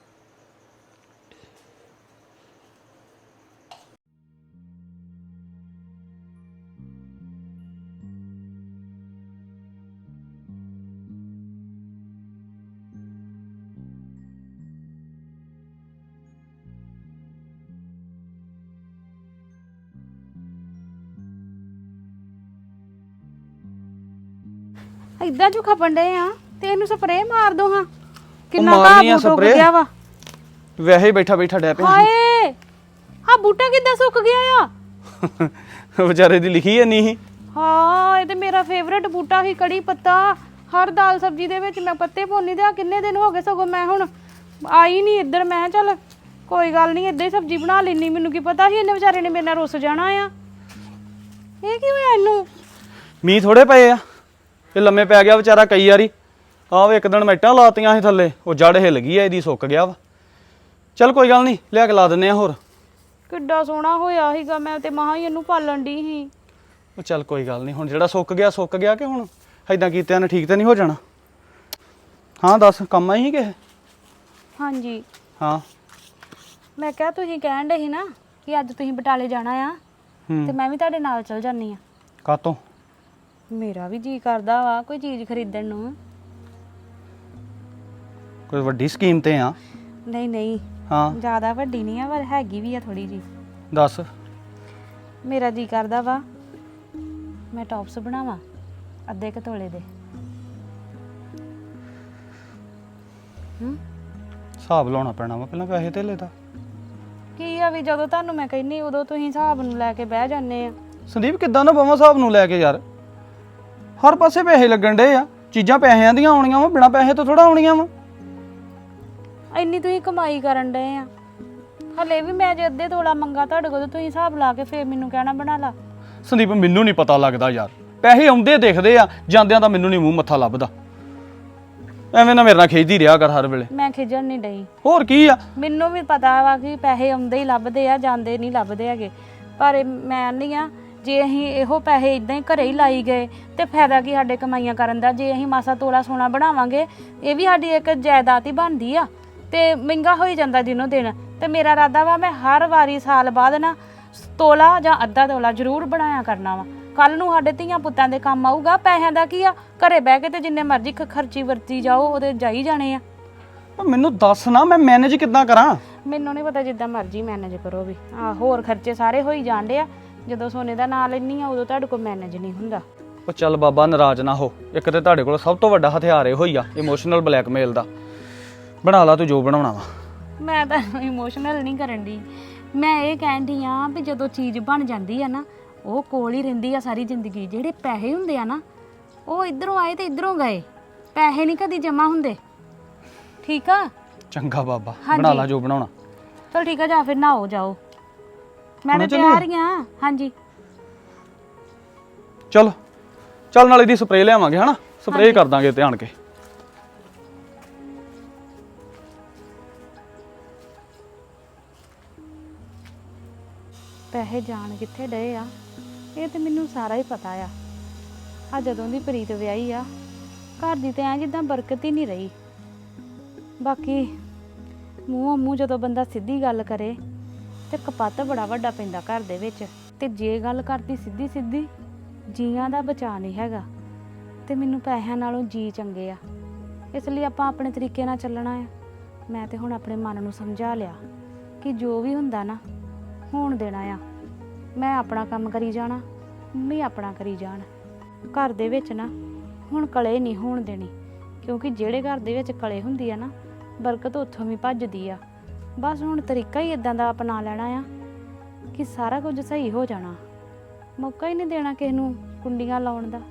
Speaker 5: ਇਦਾਂ ਜੋ ਖਪਣ ਡਏ ਆ ਤੇ ਇਹਨੂੰ ਸਪਰੇਅ ਮਾਰ ਦੋ ਹਾਂ। ਕਿੰਨਾ
Speaker 6: ਮਾਰਨੀ ਆ
Speaker 5: ਘਾਹ ਸੁੱਕ
Speaker 6: ਸਪਰੇਅ?
Speaker 5: ਗਿਆ ਵਾ।
Speaker 6: ਵੈਸੇ ਹੀ ਬੈਠਾ ਡੈ ਪਿਆ
Speaker 5: ਹਾਏ ਆ ਬੂਟਾ ਕਿੱਦਾਂ ਸੁੱਕ ਗਿਆ ਆ।
Speaker 6: ਵਿਚਾਰੇ ਦੀ ਲਿਖੀ ਹੈ ਨਹੀਂ।
Speaker 5: ਹਾਂ ਇਹ ਤੇ ਮੇਰਾ ਫੇਵਰੇਟ ਬੂਟਾ ਸੀ, ਕੜੀ ਪੱਤਾ। ਹਰ ਦਾਲ ਸਬਜ਼ੀ ਦੇ ਵਿੱਚ ਮੈਂ ਪੱਤੇ ਪਾਉਣੀ ਤੇ ਆ ਕਿੰਨੇ ਦਿਨ ਹੋ ਗਏ, ਸਗੋਂ ਮੈਂ ਹੁਣ ਆਈ ਨਹੀਂ ਇੱਧਰ। ਮੈਂ ਚੱਲ ਕੋਈ ਗੱਲ ਨਹੀਂ, ਇੱਦਾਂ ਹੀ ਸਬਜ਼ੀ ਬਣਾ ਲੈਣੀ। ਮੈਨੂੰ ਕੀ ਪਤਾ ਸੀ ਇਹਨੇ ਵਿਚਾਰੇ ਨੇ ਮੇਰੇ ਨਾਲ ਰੁੱਸ ਜਾਣਾ ਆ। ਇਹ ਕੀ ਹੋਇਆ ਇਹਨੂੰ?
Speaker 6: ਮੀਂਹ ਥੋੜੇ ਪਏ ਆ, ਇਹ ਲੰਮੇ ਪੈ ਗਿਆ ਵਿਚਾਰਾ ਕਈ ਵਾਰੀ। ਆਹ ਇੱਕ ਦਿਨ ਮੈਟਾਂ ਲਾਤੀਆਂ ਸੀ ਥੱਲੇ, ਉਹ ਜੜ ਹਿੱਲ ਗਈ ਆ, ਇਹਦੀ ਸੁੱਕ ਗਿਆ ਵਾ। ਚੱਲ ਕੋਈ ਗੱਲ ਨਹੀਂ, ਲਿਆ ਕੇ ਲਾ ਦਿੰਦੇ ਆ ਹੋਰ।
Speaker 5: ਕਿੱਡਾ ਸੋਹਣਾ ਹੋਇਆ ਸੀਗਾ, ਮੈਂ ਤੇ ਮਹਾਂ ਹੀ ਇਹਨੂੰ ਪਾਲਣ ਦੀ ਸੀ।
Speaker 6: ਉਹ ਚੱਲ ਕੋਈ ਗੱਲ ਨਹੀਂ, ਹੁਣ ਜਿਹੜਾ ਸੁੱਕ ਗਿਆ ਕਿ ਹੁਣ ਐਦਾਂ ਕੀਤਿਆਂ ਨੇ ਠੀਕ ਤੇ ਨਹੀਂ ਹੋ ਜਾਣਾ। ਹਾਂ ਦੱਸ, ਕੰਮ ਆਈ ਸੀ ਕਿਸੇ?
Speaker 5: ਹਾਂਜੀ
Speaker 6: ਹਾਂ
Speaker 5: ਮੈਂ ਕਿਹਾ ਤੁਸੀਂ ਕਹਿਣ ਡੇ ਸੀ ਨਾ ਕਿ ਅੱਜ ਤੁਸੀਂ ਬਟਾਲੇ ਜਾਣਾ ਆ, ਤੇ ਮੈਂ ਵੀ ਤੁਹਾਡੇ ਨਾਲ ਚਲ ਜਾਨੀ ਆ।
Speaker 6: ਕਾਤੋਂ?
Speaker 5: ਮੇਰਾ ਵੀ ਜੀ ਕਰਦਾ ਵਾ ਕੋਈ ਚੀਜ਼ ਖਰੀਦਣ ਨੂੰ।
Speaker 6: ਕੋਈ ਵੱਡੀ ਸਕੀਮ ਤੇ ਆ?
Speaker 5: ਨਹੀਂ
Speaker 6: ਹਾਂ
Speaker 5: ਜ਼ਿਆਦਾ ਵੱਡੀ ਨਹੀਂ ਆ, ਪਰ ਹੈਗੀ ਵੀ ਆ ਥੋੜੀ ਜੀ।
Speaker 6: ਦੱਸ।
Speaker 5: ਮੇਰਾ ਜੀ ਕਰਦਾ ਵਾ ਮੈਂ ਟੌਪਸ ਬਣਾਵਾਂ ਅੱਧੇ ਕੁ ਤੋਲੇ ਦੇ। ਹੂੰ
Speaker 6: ਹਿਸਾਬ ਲਾਉਣਾ ਪੈਣਾ ਵਾ ਪਹਿਲਾਂ ਪੈਸੇ ਧੇਲੇ ਦਾ।
Speaker 5: ਕੀ ਆ ਵੀ ਜਦੋਂ ਤੁਹਾਨੂੰ ਮੈਂ ਕਹਿੰਨੀ ਉਦੋਂ ਤੁਸੀਂ ਹਿਸਾਬ ਨੂੰ ਲੈ ਕੇ ਬਹਿ ਜਾਂਦੇ ਆ।
Speaker 6: ਸੰਦੀਪ ਕਿੱਦਾਂ ਨਾ ਬਵਾਂ ਹਿਸਾਬ ਨੂੰ ਲੈ ਕੇ ਯਾਰ, ਹਰ ਪਾਸੇ ਪੈਸੇ ਲੱਗਣ ਡੇ ਆ, ਚੀਜ਼ਾਂ ਪੈਸਿਆਂ ਦੀਆਂ ਆਉਣੀਆਂ ਵਾ, ਬਿਨਾਂ ਪੈਸੇ ਤੋਂ ਥੋੜਾ ਆਉਣੀਆਂ ਵਾ।
Speaker 5: ਇੰਨੀ ਤੁਸੀਂ ਕਮਾਈ ਕਰਨ ਡਏ ਆ, ਹਲੇ ਵੀ ਮੈਂ ਜੇ ਅੱਧੇ ਤੋਲਾ ਮੰਗਾ ਤੁਹਾਡੇ ਕੋਲ ਤੁਸੀਂ ਹਿਸਾਬ ਲਾ ਕੇ ਫੇਰ ਮੈਨੂੰ ਕਹਿਣਾ ਬਣਾ ਲਾ।
Speaker 6: ਸੰਦੀਪ ਮੈਨੂੰ ਨਹੀਂ ਪਤਾ ਲੱਗਦਾ ਯਾਰ, ਪੈਸੇ ਆਉਂਦੇ ਦਿਖਦੇ ਆ, ਜਾਂਦਿਆਂ ਦਾ ਮੈਨੂੰ ਨਹੀਂ ਮੂੰਹ ਮੱਥਾ ਲੱਭਦਾ। ਐਵੇਂ ਨਾ ਮੇਰੇ ਨਾਲ ਖਿੱਚਦੀ ਰਿਹਾ ਕਰ ਹਰ ਵੇਲੇ।
Speaker 5: ਮੈਂ ਖਿਜਣ ਨਹੀਂ ਡਈ,
Speaker 6: ਹੋਰ ਕੀ ਆ,
Speaker 5: ਮੈਨੂੰ ਵੀ ਪਤਾ ਵਾ ਕਿ ਪੈਸੇ ਆਉਂਦੇ ਹੀ ਲੱਭਦੇ ਆ, ਜਾਂਦੇ ਨਹੀਂ ਲੱਭਦੇ ਹੈਗੇ। ਪਰ ਮੈਂ ਨਹੀਂ ਆ, ਜੇ ਅਸੀਂ ਇਹੋ ਪੈਸੇ ਇਦਾਂ ਹੀ ਘਰੇ ਹੀ ਲਾਈ ਗਏ ਤੇ ਫਾਇਦਾ ਕੀ ਸਾਡੇ ਕਮਾਈਆਂ ਕਰਨ ਦਾ। ਜੇ ਅਸੀਂ ਮਾਸਾ ਤੋਲਾ ਸੋਨਾ ਬਣਾਵਾਂਗੇ, ਇਹ ਵੀ ਸਾਡੀ ਇੱਕ ਜਾਇਦਾਦ ਹੀ ਬਣਦੀ ਆ ਤੇ ਮਹਿੰਗਾ ਹੋਈ ਜਾਂਦਾ ਦਿਨੋਂ ਦਿਨ। ਤੇ ਮੇਰਾ ਇਰਾਦਾ ਵਾ ਮੈਂ ਹਰ ਵਾਰੀ ਸਾਲ ਬਾਅਦ ਨਾ ਤੋਲਾ ਜਾਂ ਅੱਧਾ ਤੋਲਾ ਜ਼ਰੂਰ ਬਣਾਇਆ ਕਰਨਾ ਵਾ। ਕੱਲ ਨੂੰ ਸਾਡੇ ਧੀਆਂ ਪੁੱਤਾਂ ਦੇ ਕੰਮ ਆਊਗਾ। ਪੈਸਿਆਂ ਦਾ ਕੀ ਆ, ਘਰੇ ਬਹਿ ਕੇ ਤੇ ਜਿੰਨੇ ਮਰਜ਼ੀ ਖਰਚੀ ਵਰਤੀ ਜਾਓ, ਉਹਦੇ ਜਾਈ ਜਾਣੇ ਆ।
Speaker 6: ਮੈਨੂੰ ਦੱਸ ਨਾ ਮੈਂ ਮੈਨੇਜ ਕਿੱਦਾਂ ਕਰਾਂ।
Speaker 5: ਮੈਨੂੰ ਨਹੀਂ ਪਤਾ, ਜਿੱਦਾਂ ਮਰਜ਼ੀ ਮੈਨੇਜ ਕਰੋ ਵੀ। ਹੋਰ ਖਰਚੇ ਸਾਰੇ ਹੋਈ ਜਾਂਦੇ ਆ, ਜਦੋਂ ਸੋਨੇ ਦਾ ਨਾਂ ਲੈਣੀ ਆ ਉਦੋਂ ਤੁਹਾਡੇ ਕੋਲ ਮੈਨੇਜ ਨਹੀਂ ਹੁੰਦਾ।
Speaker 6: ਉਹ ਚੱਲ ਬਾਬਾ ਨਾਰਾਜ਼ ਨਾ ਹੋ, ਇੱਕ ਤੇ ਤੁਹਾਡੇ ਕੋਲ ਸਭ ਤੋਂ ਵੱਡਾ ਹਥਿਆਰ ਇਹੋ ਹੀ ਆ, ਇਮੋਸ਼ਨਲ ਬਲੈਕਮੇਲ ਦਾ। ਬਣਾ ਲਾ ਤੂੰ ਜੋ ਬਣਾਉਣਾ ਵਾ।
Speaker 5: ਮੈਂ ਤਾਂ ਇਮੋਸ਼ਨਲ ਨਹੀਂ ਕਰਨ ਦੀ, ਮੈਂ ਇਹ ਕਹਿਣ ਦੀ ਆ ਵੀ ਜਦੋਂ ਚੀਜ਼ ਬਣ ਜਾਂਦੀ ਆ ਨਾ, ਉਹ ਕੋਲ ਹੀ ਰਹਿੰਦੀ ਆ ਸਾਰੀ ਜ਼ਿੰਦਗੀ। ਜਿਹੜੇ ਪੈਸੇ ਹੁੰਦੇ ਆ ਨਾ, ਉਹ ਇਧਰੋਂ ਆਏ ਤੇ ਇਧਰੋਂ ਗਏ, ਪੈਸੇ ਨਹੀਂ ਕਦੀ ਜਮਾ ਹੁੰਦੇ। ਠੀਕ ਆ,
Speaker 6: ਚੰਗਾ ਬਾਬਾ, ਬਣਾ ਲਾ ਜੋ ਬਣਾਉਣਾ।
Speaker 5: ਚਲ ਠੀਕ ਆ, ਜਾ ਫਿਰ ਨਹਾਓ ਜਾਓ, ਮੈਂ ਤਾਂ ਤਿਆਰ ਹੀ ਆ। ਹਾਂਜੀ
Speaker 6: ਚਲ ਚੱਲ, ਨਾਲ ਇਹਦੀ ਸਪਰੇਅ ਲਿਆਵਾਂਗੇ ਹਨਾ, ਸਪਰੇਅ ਕਰ ਦਾਂਗੇ ਧਿਆਨ ਕੇ।
Speaker 5: ਪੈਸੇ ਜਾਣ ਕਿੱਥੇ ਡਏ ਆ, ਇਹ ਤੇ ਮੈਨੂੰ ਸਾਰਾ ਹੀ ਪਤਾ ਆ। ਆ ਜਦੋਂ ਦੀ ਪ੍ਰੀਤ ਵਿਆਹੀ ਆ, ਘਰ ਦੀ ਤੇ ਐ ਜਿੱਦਾਂ ਬਰਕਤ ਹੀ ਨਹੀਂ ਰਹੀ। ਬਾਕੀ ਮੂੰਹੋਂ ਮੂੰਹ ਜਦੋਂ ਬੰਦਾ ਸਿੱਧੀ ਗੱਲ ਕਰੇ ਤੇ ਕਪੱਤ ਬੜਾ ਵੱਡਾ ਪੈਂਦਾ ਘਰ ਦੇ ਵਿੱਚ। ਤੇ ਜੇ ਗੱਲ ਕਰਦੀ ਸਿੱਧੀ ਸਿੱਧੀ, ਜੀਆਂ ਦਾ ਬਚਾ ਨਹੀਂ ਹੈਗਾ। ਤੇ ਮੈਨੂੰ ਪੈਸਿਆਂ ਨਾਲੋਂ ਜੀ ਚੰਗੇ ਆ, ਇਸ ਲਈ ਆਪਾਂ ਆਪਣੇ ਤਰੀਕੇ ਨਾਲ ਚੱਲਣਾ ਆ। ਮੈਂ ਤੇ ਹੁਣ ਆਪਣੇ ਮਨ ਨੂੰ ਸਮਝਾ ਲਿਆ ਕਿ ਜੋ ਵੀ ਹੁੰਦਾ ਨਾ ਹੋਣ ਦੇਣਾ ਆ। ਮੈਂ ਆਪਣਾ ਕੰਮ ਕਰੀ ਜਾਣਾ, ਮੰਮੀ ਆਪਣਾ ਕਰੀ ਜਾਣ। ਘਰ ਦੇ ਵਿੱਚ ਨਾ ਹੁਣ ਕਲੇ ਨਹੀਂ ਹੋਣ ਦੇਣੀ, ਕਿਉਂਕਿ ਜਿਹੜੇ ਘਰ ਦੇ ਵਿੱਚ ਕਲੇ ਹੁੰਦੀ ਆ ਨਾ, ਬਰਕਤ ਉੱਥੋਂ ਵੀ ਭੱਜਦੀ ਆ। ਬਸ ਹੁਣ ਤਰੀਕਾ ਹੀ ਇਦਾਂ ਦਾ ਅਪਣਾ ਲੈਣਾ ਆ ਕਿ ਸਾਰਾ ਕੁਝ ਸਹੀ ਹੋ ਜਾਣਾ। ਮੌਕਾ ਹੀ ਨਹੀਂ ਦੇਣਾ ਕਿਸੇ ਨੂੰ ਕੁੰਡੀਆਂ ਲਾਉਣ ਦਾ।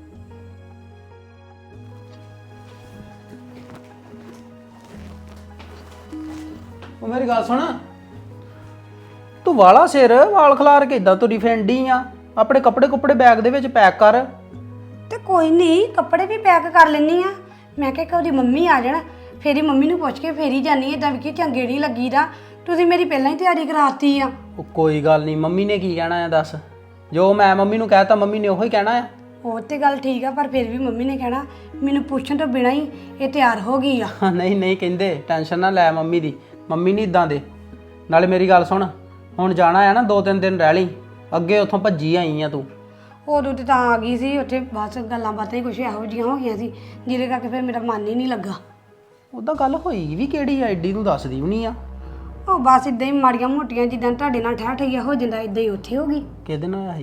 Speaker 2: ਉਹ ਮੇਰੀ ਗੱਲ ਸੁਣ, ਤੂੰ ਵਾਲਾ ਸਿਰ ਵਾਲ ਖਲਾਰ ਕੇ ਇਦਾਂ ਤੁਰੀ ਫਿਰਦੀ ਆ। ਆਪਣੇ ਕੱਪੜੇ ਕੁੱਪੜੇ ਬੈਗ ਦੇ ਵਿੱਚ ਪੈਕ ਕਰ।
Speaker 1: ਤੇ ਕੋਈ ਨਹੀਂ, ਕੱਪੜੇ ਵੀ ਪੈਕ ਕਰ ਲੈਣੀ ਆ। ਮੈਂ ਕਿਹਾ ਕਿ ਉਹਦੀ ਮੰਮੀ ਆ ਜਾਣ, ਫੇਰ ਹੀ ਮੰਮੀ ਨੂੰ ਪੁੱਛ ਕੇ ਫੇਰ ਹੀ ਜਾਨੀ। ਇਦਾਂ ਵੀ ਕਿ ਚੰਗੇ ਨਹੀਂ ਲੱਗੀਦਾ, ਤੁਸੀਂ ਮੇਰੀ ਪਹਿਲਾਂ ਹੀ ਤਿਆਰੀ ਕਰਾਤੀ ਆ।
Speaker 2: ਉਹ ਕੋਈ ਗੱਲ ਨਹੀਂ, ਮੰਮੀ ਨੇ ਕੀ ਕਹਿਣਾ ਆ ਦੱਸ। ਜੋ ਮੈਂ ਮੰਮੀ ਨੂੰ ਕਹਿਤਾ ਮੰਮੀ ਨੇ ਉਹੀ ਕਹਿਣਾ ਆ।
Speaker 1: ਉਹ ਤੇ ਗੱਲ ਠੀਕ ਆ, ਪਰ ਫਿਰ ਵੀ ਮੰਮੀ ਨੇ ਕਹਿਣਾ ਮੈਨੂੰ ਪੁੱਛਣ ਤੋਂ ਬਿਨਾਂ ਹੀ ਇਹ ਤਿਆਰ ਹੋ ਗਈ ਆ।
Speaker 2: ਨਹੀਂ ਨਹੀਂ ਕਹਿੰਦੇ, ਟੈਨਸ਼ਨ ਨਾ ਲੈ ਮੰਮੀ ਦੀ, ਮੰਮੀ ਨਹੀਂ ਇਦਾਂ ਦੇ। ਨਾਲੇ ਮੇਰੀ ਗੱਲ ਸੁਣ, ਹੁਣ ਜਾਣਾ ਆ ਨਾ 2-3 ਦਿਨ ਰਹਿ ਲਈ, ਅੱਗੇ ਉੱਥੋਂ ਭੱਜੀ ਆਈ ਆ ਤੂੰ।
Speaker 1: ਉਦੋਂ ਤੇ ਤਾਂ ਆ ਗਈ ਸੀ, ਉੱਥੇ ਬਸ ਗੱਲਾਂ ਬਾਤਾਂ ਹੀ ਕੁਛ ਇਹੋ ਜਿਹੀਆਂ ਹੋ ਗਈਆਂ ਸੀ ਜਿਹਦੇ ਕਰਕੇ ਫਿਰ ਮੇਰਾ ਮਨ ਹੀ ਨਹੀਂ ਲੱਗਾ।
Speaker 2: ਉਹਦਾ ਗੱਲ ਹੋਈ ਵੀ ਕਿਹੜੀ ਆ, ਐਡੀ ਨੂੰ ਦੱਸਦੀ ਵੀ ਨਹੀਂ ਆ।
Speaker 1: ਉਹ ਬਸ ਇਦਾਂ ਹੀ ਮਾੜੀਆਂ ਮੋਟੀਆਂ, ਜਿੱਦਾਂ ਤੁਹਾਡੇ ਨਾਲ ਠਹਿ ਠਈਆ ਹੋ ਜਾਂਦਾ ਇਦਾਂ ਹੀ ਉੱਥੇ ਹੋ ਗਈ।
Speaker 2: ਕਿਹਦੇ ਨਾਲ ਹੋਇਆ ਸੀ?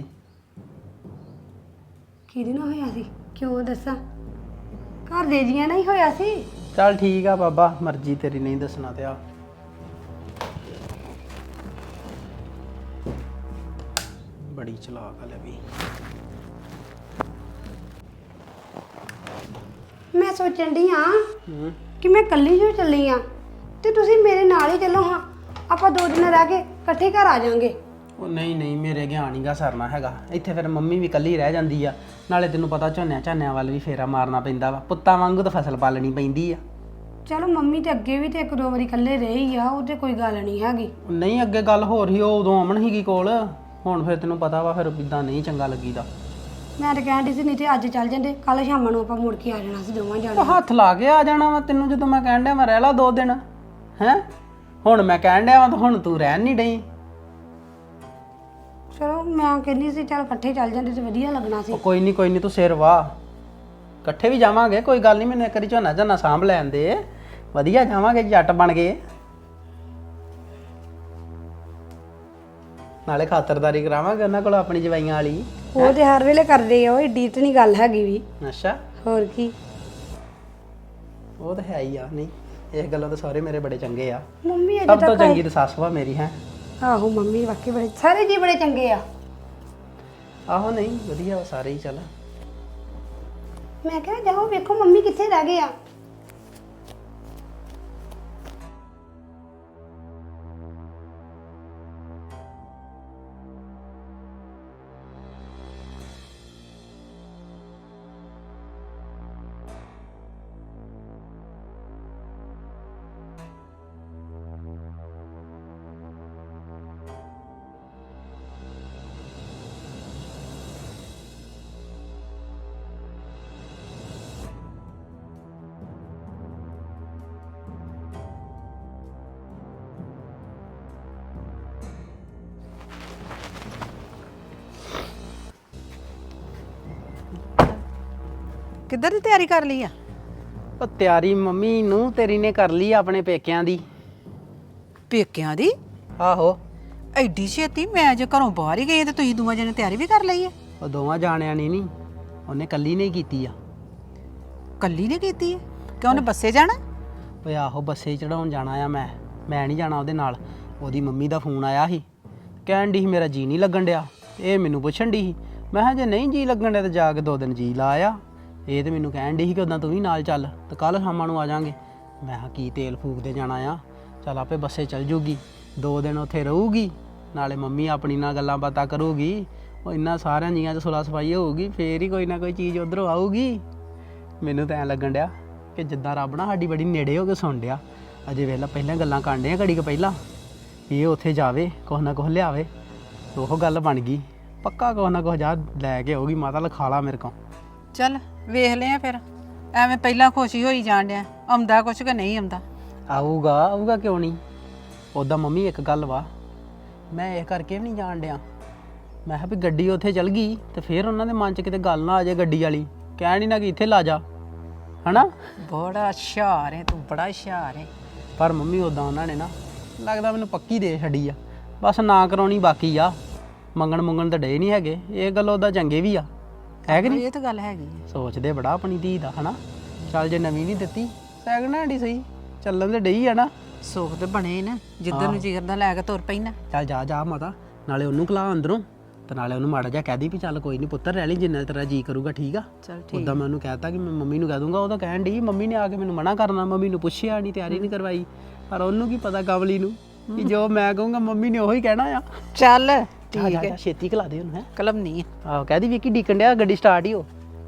Speaker 1: ਕਿਹਦੇ ਨਾਲ ਹੋਇਆ ਸੀ? ਕਿਉਂ ਦੱਸਾਂ? ਘਰ ਦੇ ਜੀਆਂ ਨਾਲ ਹੀ ਹੋਇਆ ਸੀ।
Speaker 2: ਚੱਲ ਠੀਕ ਆ ਬਾਬਾ, ਮਰਜ਼ੀ ਤੇਰੀ, ਨਹੀਂ ਦੱਸਣਾ ਤੇ ਆ। ਬੜੀ ਚਲਾਕ ਆ ਲੈ ਵੀ।
Speaker 1: ਮੈਂ ਸੋਚਣ ਡਈ ਆ ਕਿ ਮੈਂ ਇਕੱਲੀ ਜੋ ਚੱਲੀ ਆ ਤੇ ਤੁਸੀਂ ਮੇਰੇ ਨਾਲ ਹੀ ਚੱਲੋ। ਹਾਂ, ਆਪਾਂ 2 ਦਿਨ ਰਹਿ ਕੇ ਇਕੱਠੇ ਘਰ ਆ ਜਾਾਂਗੇ।
Speaker 2: ਉਹ ਨਹੀਂ ਨਹੀਂ, ਮੇਰੇ ਗਿਆਨ ਹੀਗਾ ਸਰਨਾ ਹੈਗਾ ਇੱਥੇ। ਫਿਰ ਮੰਮੀ ਵੀ ਇਕੱਲੀ ਰਹਿ ਜਾਂਦੀ ਆ। ਨਾਲੇ ਤੈਨੂੰ ਪਤਾ ਝੋਨਿਆਂ ਵੱਲ ਵੀ ਫੇਰਾ ਮਾਰਨਾ ਪੈਂਦਾ ਵਾ, ਪੁੱਤਾਂ ਵਾਂਗੂ ਤਾਂ ਫਸਲ ਪਾਲਣੀ ਪੈਂਦੀ ਆ।
Speaker 1: ਚਲੋ ਮੰਮੀ ਤੇ ਅੱਗੇ ਵੀ ਤੇ 1-2 ਵਾਰੀ ਇਕੱਲੇ ਰਹੇ ਹੀ ਆ, ਉਹ ਤੇ ਕੋਈ ਗੱਲ ਨਹੀਂ ਹੈਗੀ।
Speaker 2: ਨਹੀਂ, ਅੱਗੇ ਗੱਲ ਹੋਰ ਹੀ, ਉਹ ਉਦੋਂ ਅਮਨ ਹੀਗੀ ਕੋਲ। ਹੁਣ ਫਿਰ ਤੈਨੂੰ ਪਤਾ ਵਾ, ਫਿਰ ਇਦਾਂ ਨਹੀਂ ਚੰਗਾ ਲੱਗੀਦਾ।
Speaker 1: ਮੈਂ ਤਾਂ ਕਹਿਣ ਡਈ ਸੀ ਨਹੀਂ ਤੇ ਅੱਜ ਚੱਲ ਜਾਂਦੇ, ਕੱਲ ਸ਼ਾਮ ਨੂੰ ਆਪਾਂ ਮੁੜ ਕੇ ਆ ਜਾਣਾ ਸੀ ਦੋਵਾਂ
Speaker 2: ਉਹ
Speaker 1: ਜਾਣੇ।
Speaker 2: ਹੱਥ ਲਾ ਕੇ ਆ ਜਾਣਾ ਵਾ ਤੈਨੂੰ, ਜਦੋਂ ਮੈਂ ਕਹਿਣ ਡਿਆ ਮੈਂ ਰਹਿ ਲਾ 2 ਦਿਨ। ਹੈਂ, ਹੁਣ ਮੈਂ ਕਹਿਣ ਡਿਆ ਵਾ ਤਾਂ ਹੁਣ ਤੂੰ ਰਹਿਣ ਨਹੀਂ ਡਈ।
Speaker 1: ਚਲੋ ਮੈਂ ਕਹਿੰਦੀ ਸੀ ਚੱਲ ਇਕੱਠੇ ਚੱਲ ਜਾਂਦੇ ਤੇ ਵਧੀਆ ਲੱਗਣਾ ਸੀ।
Speaker 2: ਉਹ ਕੋਈ ਨਹੀਂ ਤੂੰ ਸਿਰ ਵਾਹ, ਇਕੱਠੇ ਵੀ ਜਾਵਾਂਗੇ, ਕੋਈ ਗੱਲ ਨਹੀਂ। ਮੈਨੂੰ ਇੱਕ ਵਾਰੀ ਝੋਨਾ ਸਾਂਭ ਲੈਣ ਦੇ, ਵਧੀਆ ਜਾਵਾਂਗੇ, ਜੱਟ ਬਣ ਗਏ। ਨਾਲੇ ਖਾਤਰਦਾਰੀ ਕਰਾਵਾਂਗੇ ਉਹਨਾਂ ਕੋਲ ਆਪਣੀ ਜਵਾਈਆਂ ਵਾਲੀ।
Speaker 1: ਉਹ ਤੇ ਹਰ ਵੇਲੇ ਕਰਦੇ ਆ, ਉਹ ਏਡੀ ਤਾਂ ਨਹੀਂ ਗੱਲ ਹੈਗੀ ਵੀ।
Speaker 2: ਅੱਛਾ,
Speaker 1: ਹੋਰ ਕੀ।
Speaker 2: ਉਹ ਤਾਂ ਹੈ ਹੀ ਆ। ਨਹੀਂ ਇਸ ਗੱਲੋਂ ਤਾਂ ਸਾਰੇ ਮੇਰੇ ਬੜੇ ਚੰਗੇ ਆ।
Speaker 1: ਮੰਮੀ ਅਜੇ
Speaker 2: ਸਭ ਤੋਂ
Speaker 1: ਤੱਕ
Speaker 2: ਚੰਗੀ ਤਾਂ ਸੱਸ ਵਾ ਮੇਰੀ ਹੈ।
Speaker 1: ਆਹੋ ਮੰਮੀ ਵਾਕਈ ਬੜੇ ਸਾਰੇ ਜੀ ਬੜੇ ਚੰਗੇ ਆ।
Speaker 2: ਆਹੋ ਨਹੀਂ ਵਧੀਆ ਵਾ ਸਾਰੇ ਹੀ। ਚੱਲ
Speaker 1: ਮੈਂ ਕਿਹਾ ਜਾਓ ਵੇਖੋ ਮੰਮੀ ਕਿੱਥੇ ਰਹਿ ਗਏ ਆ।
Speaker 3: ਕਿੱਧਰ ਦੀ ਤਿਆਰੀ ਕਰ ਲਈ ਆ?
Speaker 2: ਉਹ ਤਿਆਰੀ ਮੰਮੀ ਨੂੰ ਤੇਰੀ ਨੇ ਕਰ ਲਈ ਆਪਣੇ ਪੇਕਿਆਂ ਦੀ।
Speaker 3: ਪੇਕਿਆਂ ਦੀ?
Speaker 2: ਆਹੋ
Speaker 3: ਐਡੀ ਛੇਤੀ? ਮੈਂ ਜੇ ਘਰੋਂ ਬਾਹਰ ਹੀ ਗਈ ਤੇ ਤੁਸੀਂ ਦੋਵਾਂ ਜਣੇ ਤਿਆਰੀ ਵੀ ਕਰ ਲਈ ਹੈ?
Speaker 2: ਉਹ ਦੋਵਾਂ ਜਾਣਿਆਂ ਨੇ ਨਹੀਂ, ਉਹਨੇ ਕੱਲੀ ਨੇ ਹੀ ਕੀਤੀ ਆ।
Speaker 3: ਕੱਲੀ ਨੇ ਕੀਤੀ ਹੈ ਕਿ ਉਹਨੇ ਬੱਸੇ ਜਾਣਾ?
Speaker 2: ਓਏ ਆਹੋ ਬੱਸੇ ਚੜਾਉਣ ਜਾਣਾ ਆ। ਮੈਂ ਨਹੀਂ ਜਾਣਾ ਉਹਦੇ ਨਾਲ। ਉਹਦੀ ਮੰਮੀ ਦਾ ਫੋਨ ਆਇਆ ਸੀ, ਕਹਿਣ ਦੀ ਸੀ ਮੇਰਾ ਜੀ ਨਹੀਂ ਲੱਗਣ ਡਿਆ। ਇਹ ਮੈਨੂੰ ਪੁੱਛਣ ਦੀ ਸੀ। ਮੈਂ ਕਿਹਾ ਜੇ ਨਹੀਂ ਜੀ ਲੱਗਣ ਡਿਆ ਤਾਂ ਜਾ ਕੇ 2 ਦਿਨ ਜੀ ਲਾ ਆ। ਇਹ ਤੇ ਮੈਨੂੰ ਕਹਿਣ ਦੀ ਸੀ ਕਿ ਉਦਾਂ ਤੂੰ ਵੀ ਨਾਲ ਚੱਲ ਤੇ ਕੱਲ ਸ਼ਾਮਾਂ ਨੂੰ ਆ ਜਾਾਂਗੇ। ਮੈਂ ਕਿਹਾ ਕੀ ਤੇਲ ਫੂਕਦੇ ਜਾਣਾ ਆ, ਚੱਲ ਆਪੇ ਬੱਸੇ ਚੱਲ ਜੂਗੀ। 2 ਦਿਨ ਉੱਥੇ ਰਹੂਗੀ, ਨਾਲੇ ਮੰਮੀ ਆਪਣੀ ਨਾਲ ਗੱਲਾਂ ਬਾਤਾਂ ਕਰੂਗੀ। ਉਹ ਇੰਨਾ ਸਾਰਿਆਂ ਜੀਆਂ 'ਚ ਸੁਲਾ ਸਫਾਈ ਹੋਊਗੀ, ਫੇਰ ਹੀ ਕੋਈ ਨਾ ਕੋਈ ਚੀਜ਼ ਉੱਧਰੋਂ ਆਊਗੀ। ਮੈਨੂੰ ਤਾਂ ਐਂ ਲੱਗਣ ਡਿਆ ਕਿ ਜਿੱਦਾਂ ਰੱਬ ਨਾ ਸਾਡੀ ਬੜੀ ਨੇੜੇ ਹੋ ਕੇ ਸੁਣ ਡਿਆ। ਅਜੇ ਵੇਲਾ ਪਹਿਲਾਂ ਗੱਲਾਂ ਕਰਦੇ ਆ ਘੜੀ ਕੁ ਪਹਿਲਾਂ, ਇਹ ਉੱਥੇ ਜਾਵੇ ਕੁਛ ਨਾ ਕੁਛ ਲਿਆਵੇ। ਉਹ ਗੱਲ ਬਣ ਗਈ, ਪੱਕਾ ਕੁਛ ਨਾ ਕੁਛ ਜਾ ਲੈ ਕੇ ਆਊਗੀ। ਮਾਤਾ ਲਿਖਾ ਲਾ ਮੇਰੇ ਕੋਲ।
Speaker 3: ਚੱਲ ਵੇਖ ਲਿਆ ਫਿਰ। ਐਵੇਂ ਪਹਿਲਾਂ ਖੁਸ਼ੀ ਹੋਈ ਜਾਣ ਡਿਆ, ਆਉਂਦਾ ਕੁਛ ਕਿ ਨਹੀਂ ਆਉਂਦਾ?
Speaker 2: ਆਊਗਾ ਕਿਉਂ ਨਹੀਂ। ਉੱਦਾਂ ਮੰਮੀ ਇੱਕ ਗੱਲ ਵਾ, ਮੈਂ ਇਹ ਕਰਕੇ ਵੀ ਨਹੀਂ ਜਾਣ ਡਿਆ। ਮੈਂ ਕਿਹਾ ਵੀ ਗੱਡੀ ਉੱਥੇ ਚਲ ਗਈ ਤੇ ਫਿਰ ਉਹਨਾਂ ਦੇ ਮਨ 'ਚ ਕਿਤੇ ਗੱਲ ਨਾ ਆ ਜਾਏ ਗੱਡੀ ਵਾਲੀ, ਕਹਿਣ ਹੀ ਨਾ ਕਿ ਇੱਥੇ ਲਾ ਜਾ, ਹਨਾ।
Speaker 3: ਬੜਾ ਹੁਸ਼ਿਆਰ ਹੈ ਤੂੰ, ਬੜਾ ਹੁਸ਼ਿਆਰ ਹੈ।
Speaker 2: ਪਰ ਮੰਮੀ ਉੱਦਾਂ ਉਹਨਾਂ ਨੇ ਨਾ ਲੱਗਦਾ ਮੈਨੂੰ ਪੱਕੀ ਦੇ ਛੱਡੀ ਆ। ਬਸ ਨਾ ਕਰਾਉਣੀ ਬਾਕੀ ਆ। ਮੰਗਣ ਤਾਂ ਡੇ ਨਹੀਂ ਹੈਗੇ। ਇਹ ਗੱਲ ਉਹਦਾ ਚੰਗੇ ਵੀ ਆ, ਹੈ ਕਿ ਨਹੀਂ?
Speaker 3: ਇਹ ਤਾਂ ਗੱਲ ਹੈਗੀ ਹੈ।
Speaker 2: ਸੋਚਦੇ ਬੜਾ ਆਪਣੀ ਧੀ ਦਾ, ਹਨਾ। ਚੱਲ ਜੇ ਨਵੀਂ ਨਹੀਂ ਦਿੱਤੀ ਸੈਕਿੰਡ ਹੈਂਡ ਹੀ ਸਹੀ, ਚੱਲਣ ਤੇ ਡਈ ਆ ਨਾ।
Speaker 3: ਸੁੱਖ ਤੇ ਬਣੇ ਨਾ, ਜਿੱਦਾਂ ਨੂੰ ਜਿਗਰ ਦਾ ਲੈ ਕੇ ਤੁਰ ਪਈ ਨਾ।
Speaker 2: ਚੱਲ ਜਾ ਮਾਤਾ, ਨਾਲੇ ਉਹਨੂੰ ਖਲਾ ਅੰਦਰੋਂ ਤੇ ਨਾਲੇ ਉਹਨੂੰ ਮਾੜਾ ਜਿਹਾ ਕਹਿ ਦੀ ਵੀ ਚੱਲ ਕੋਈ ਨਹੀਂ ਪੁੱਤਰ ਰਹਿ ਲਈ ਜਿੰਨਾ ਤੇਰਾ ਜੀ ਕਰੂਗਾ, ਠੀਕ ਆ।
Speaker 3: ਚੱਲ ਠੀਕ।
Speaker 2: ਉੱਦਾਂ ਮੈਂ ਉਹਨੂੰ ਕਹਿਤਾ ਕਿ ਮੈਂ ਮੰਮੀ ਨੂੰ ਕਹਿ ਦੂੰਗਾ। ਉਹ ਤਾਂ ਕਹਿਣ ਡਈ ਮੰਮੀ ਨੇ ਆ ਕੇ ਮੈਨੂੰ ਮਨਾ ਕਰਨਾ, ਮੰਮੀ ਨੂੰ ਪੁੱਛਿਆ ਨਹੀਂ, ਤਿਆਰੀ ਨਹੀਂ ਕਰਵਾਈ। ਪਰ ਉਹਨੂੰ ਕੀ ਪਤਾ ਕਮਲੀ ਨੂੰ ਕਿ ਜੋ ਮੈਂ ਕਹੂੰਗਾ ਮੰਮੀ ਨੇ ਉਹੀ ਕਹਿਣਾ ਆ।
Speaker 3: ਚੱਲ
Speaker 2: ਠੀਕ ਹੈ, ਛੇਤੀ ਖਲਾ ਦੇ ਉਹਨੂੰ। ਹੈ
Speaker 3: ਕਲਮ ਨਹੀਂ ਹੈ।
Speaker 2: ਆਹੋ ਕਹਿ ਦੀ ਵਿੱਕੀ ਡੀਕਣ ਡਿਆ, ਗੱਡੀ ਸਟਾਰਟ ਹੀ ਹੋ।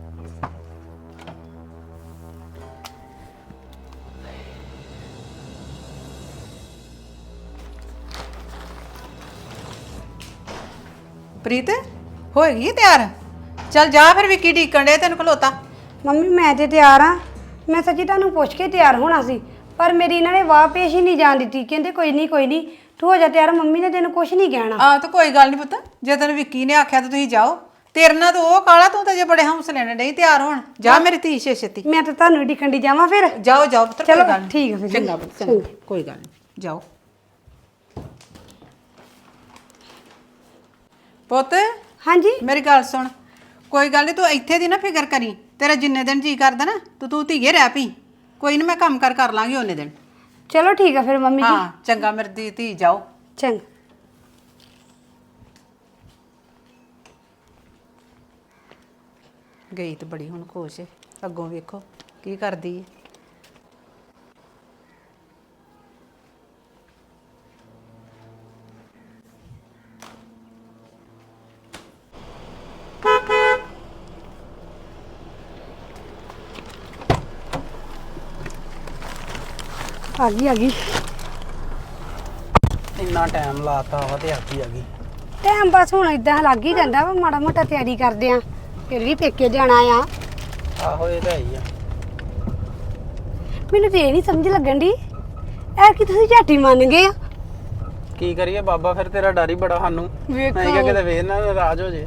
Speaker 3: ਪ੍ਰੀਤ ਹੋਏਗੀ ਹੈ ਤਿਆਰ? ਚੱਲ ਜਾ ਫਿਰ, ਵਿੱਕੀ ਡੀਕਣ ਡੇ ਤੈਨੂੰ ਖਲੋਤਾ।
Speaker 1: ਮੰਮੀ ਮੈਂ ਤੇ ਤਿਆਰ ਆ। ਮੈਂ ਸੱਚੀ ਤੁਹਾਨੂੰ ਪੁੱਛ ਕੇ ਤਿਆਰ ਹੋਣਾ ਸੀ, ਪਰ ਮੇਰੀ ਇਹਨਾਂ ਨੇ ਵਾਹ ਪੇਸ਼ ਹੀ ਨਹੀਂ ਜਾਣ ਦਿੱਤੀ। ਕਹਿੰਦੇ ਕੋਈ ਨਹੀਂ ਤੂੰ ਹੋ ਜਾ ਤਿਆਰ, ਮੰਮੀ ਨੇ ਤੈਨੂੰ ਕੁਝ ਨਹੀਂ ਕਹਿਣਾ।
Speaker 3: ਆ ਤਾਂ ਕੋਈ ਗੱਲ ਨਹੀਂ ਪੁੱਤ, ਜੇ ਤੈਨੂੰ ਵਿੱਕੀ ਨੇ ਆਖਿਆ ਤਾਂ ਤੁਸੀਂ ਜਾਓ। ਤੇਰੇ ਨਾਲ ਤਾਂ ਉਹ ਕਾਲਾ, ਤੂੰ ਤਾਂ ਜੇ ਬੜੇ ਹੌਸਲੇ ਨਾਲ ਨਹੀਂ ਤਿਆਰ ਹੋਣ। ਜਾ ਮੇਰੀ ਧੀ ਛੇਤੀ।
Speaker 1: ਮੈਂ ਤਾਂ ਤੁਹਾਨੂੰ ਡਿੱਕਣ ਦੀ ਜਾਵਾਂ ਫਿਰ।
Speaker 3: ਜਾਓ ਪੁੱਤਰ,
Speaker 1: ਚਲੋ,
Speaker 3: ਕੋਈ ਗੱਲ ਨੀ।
Speaker 1: ਠੀਕ ਹੈ ਫਿਰ।
Speaker 3: ਚੰਗਾ ਪੁੱਤ, ਚੰਗਾ, ਕੋਈ ਗੱਲ ਨਹੀਂ, ਜਾਓ ਪੁੱਤ।
Speaker 1: ਹਾਂਜੀ
Speaker 3: ਮੇਰੀ ਗੱਲ ਸੁਣ, ਕੋਈ ਗੱਲ ਨਹੀਂ, ਤੂੰ ਇੱਥੇ ਦੀ ਨਾ ਫਿਕਰ ਕਰੀ। ਤੇਰਾ ਜਿੰਨੇ ਦਿਨ ਜੀ ਕਰਦਾ ਨਾ ਤੂੰ ਧੀਏ ਰਹਿ ਪਈ। ਕੋਈ ਨਹੀਂ, ਮੈਂ ਕੰਮ ਕਰ ਲਾਂਗੀ ਉਹਨੇ ਦਿਨ।
Speaker 1: ਚਲੋ ਠੀਕ ਆ ਫਿਰ ਮੰਮੀ ਜੀ।
Speaker 3: ਹਾਂ ਚੰਗਾ ਮੇਰੀ ਧੀ, ਜਾਓ।
Speaker 1: ਚੰਗਾ।
Speaker 3: ਗਈ ਤਾਂ ਬੜੀ ਹੁਣ ਖੁਸ਼ ਹੈ, ਅੱਗੋਂ ਵੇਖੋ ਕੀ ਕਰਦੀ ਹੈ।
Speaker 1: ਆ ਗਈ
Speaker 2: ਇੰਨਾ ਟਾਈਮ ਲਾਤਾ ਵਾ ਤੇ ਆ ਗਈ।
Speaker 1: ਟਾਈਮ ਬਸ ਹੁਣ ਇਦਾਂ ਲੱਗ ਹੀ ਜਾਂਦਾ ਵਾ, ਮਾੜਾ ਮੋਟਾ ਤਿਆਰੀ ਕਰਦੇ ਆ, ਫਿਰ ਵੀ ਪੇਕੇ ਜਾਣਾ ਆ।
Speaker 2: ਆਹੋ ਇਹ ਤਾਂ ਹੈ ਹੀ ਆ।
Speaker 1: ਮੈਨੂੰ ਤੇ ਇਹ ਨਹੀਂ ਸਮਝ ਲੱਗਣ ਦੀ ਐ ਕਿ ਤੁਸੀਂ ਝਾਟੀ ਮੰਨ ਗਏ ਆ।
Speaker 2: ਕੀ ਕਰੀਏ ਬਾਬਾ, ਫਿਰ ਤੇਰਾ ਡਰ ਹੀ ਬੜਾ ਸਾਨੂੰ।
Speaker 1: ਵੇਖੋ।
Speaker 2: ਮੈਂ ਕਿਹਾ ਕਿਤੇ ਵੇਖ ਨਾ ਨਾਰਾਜ਼ ਹੋ ਜੇ।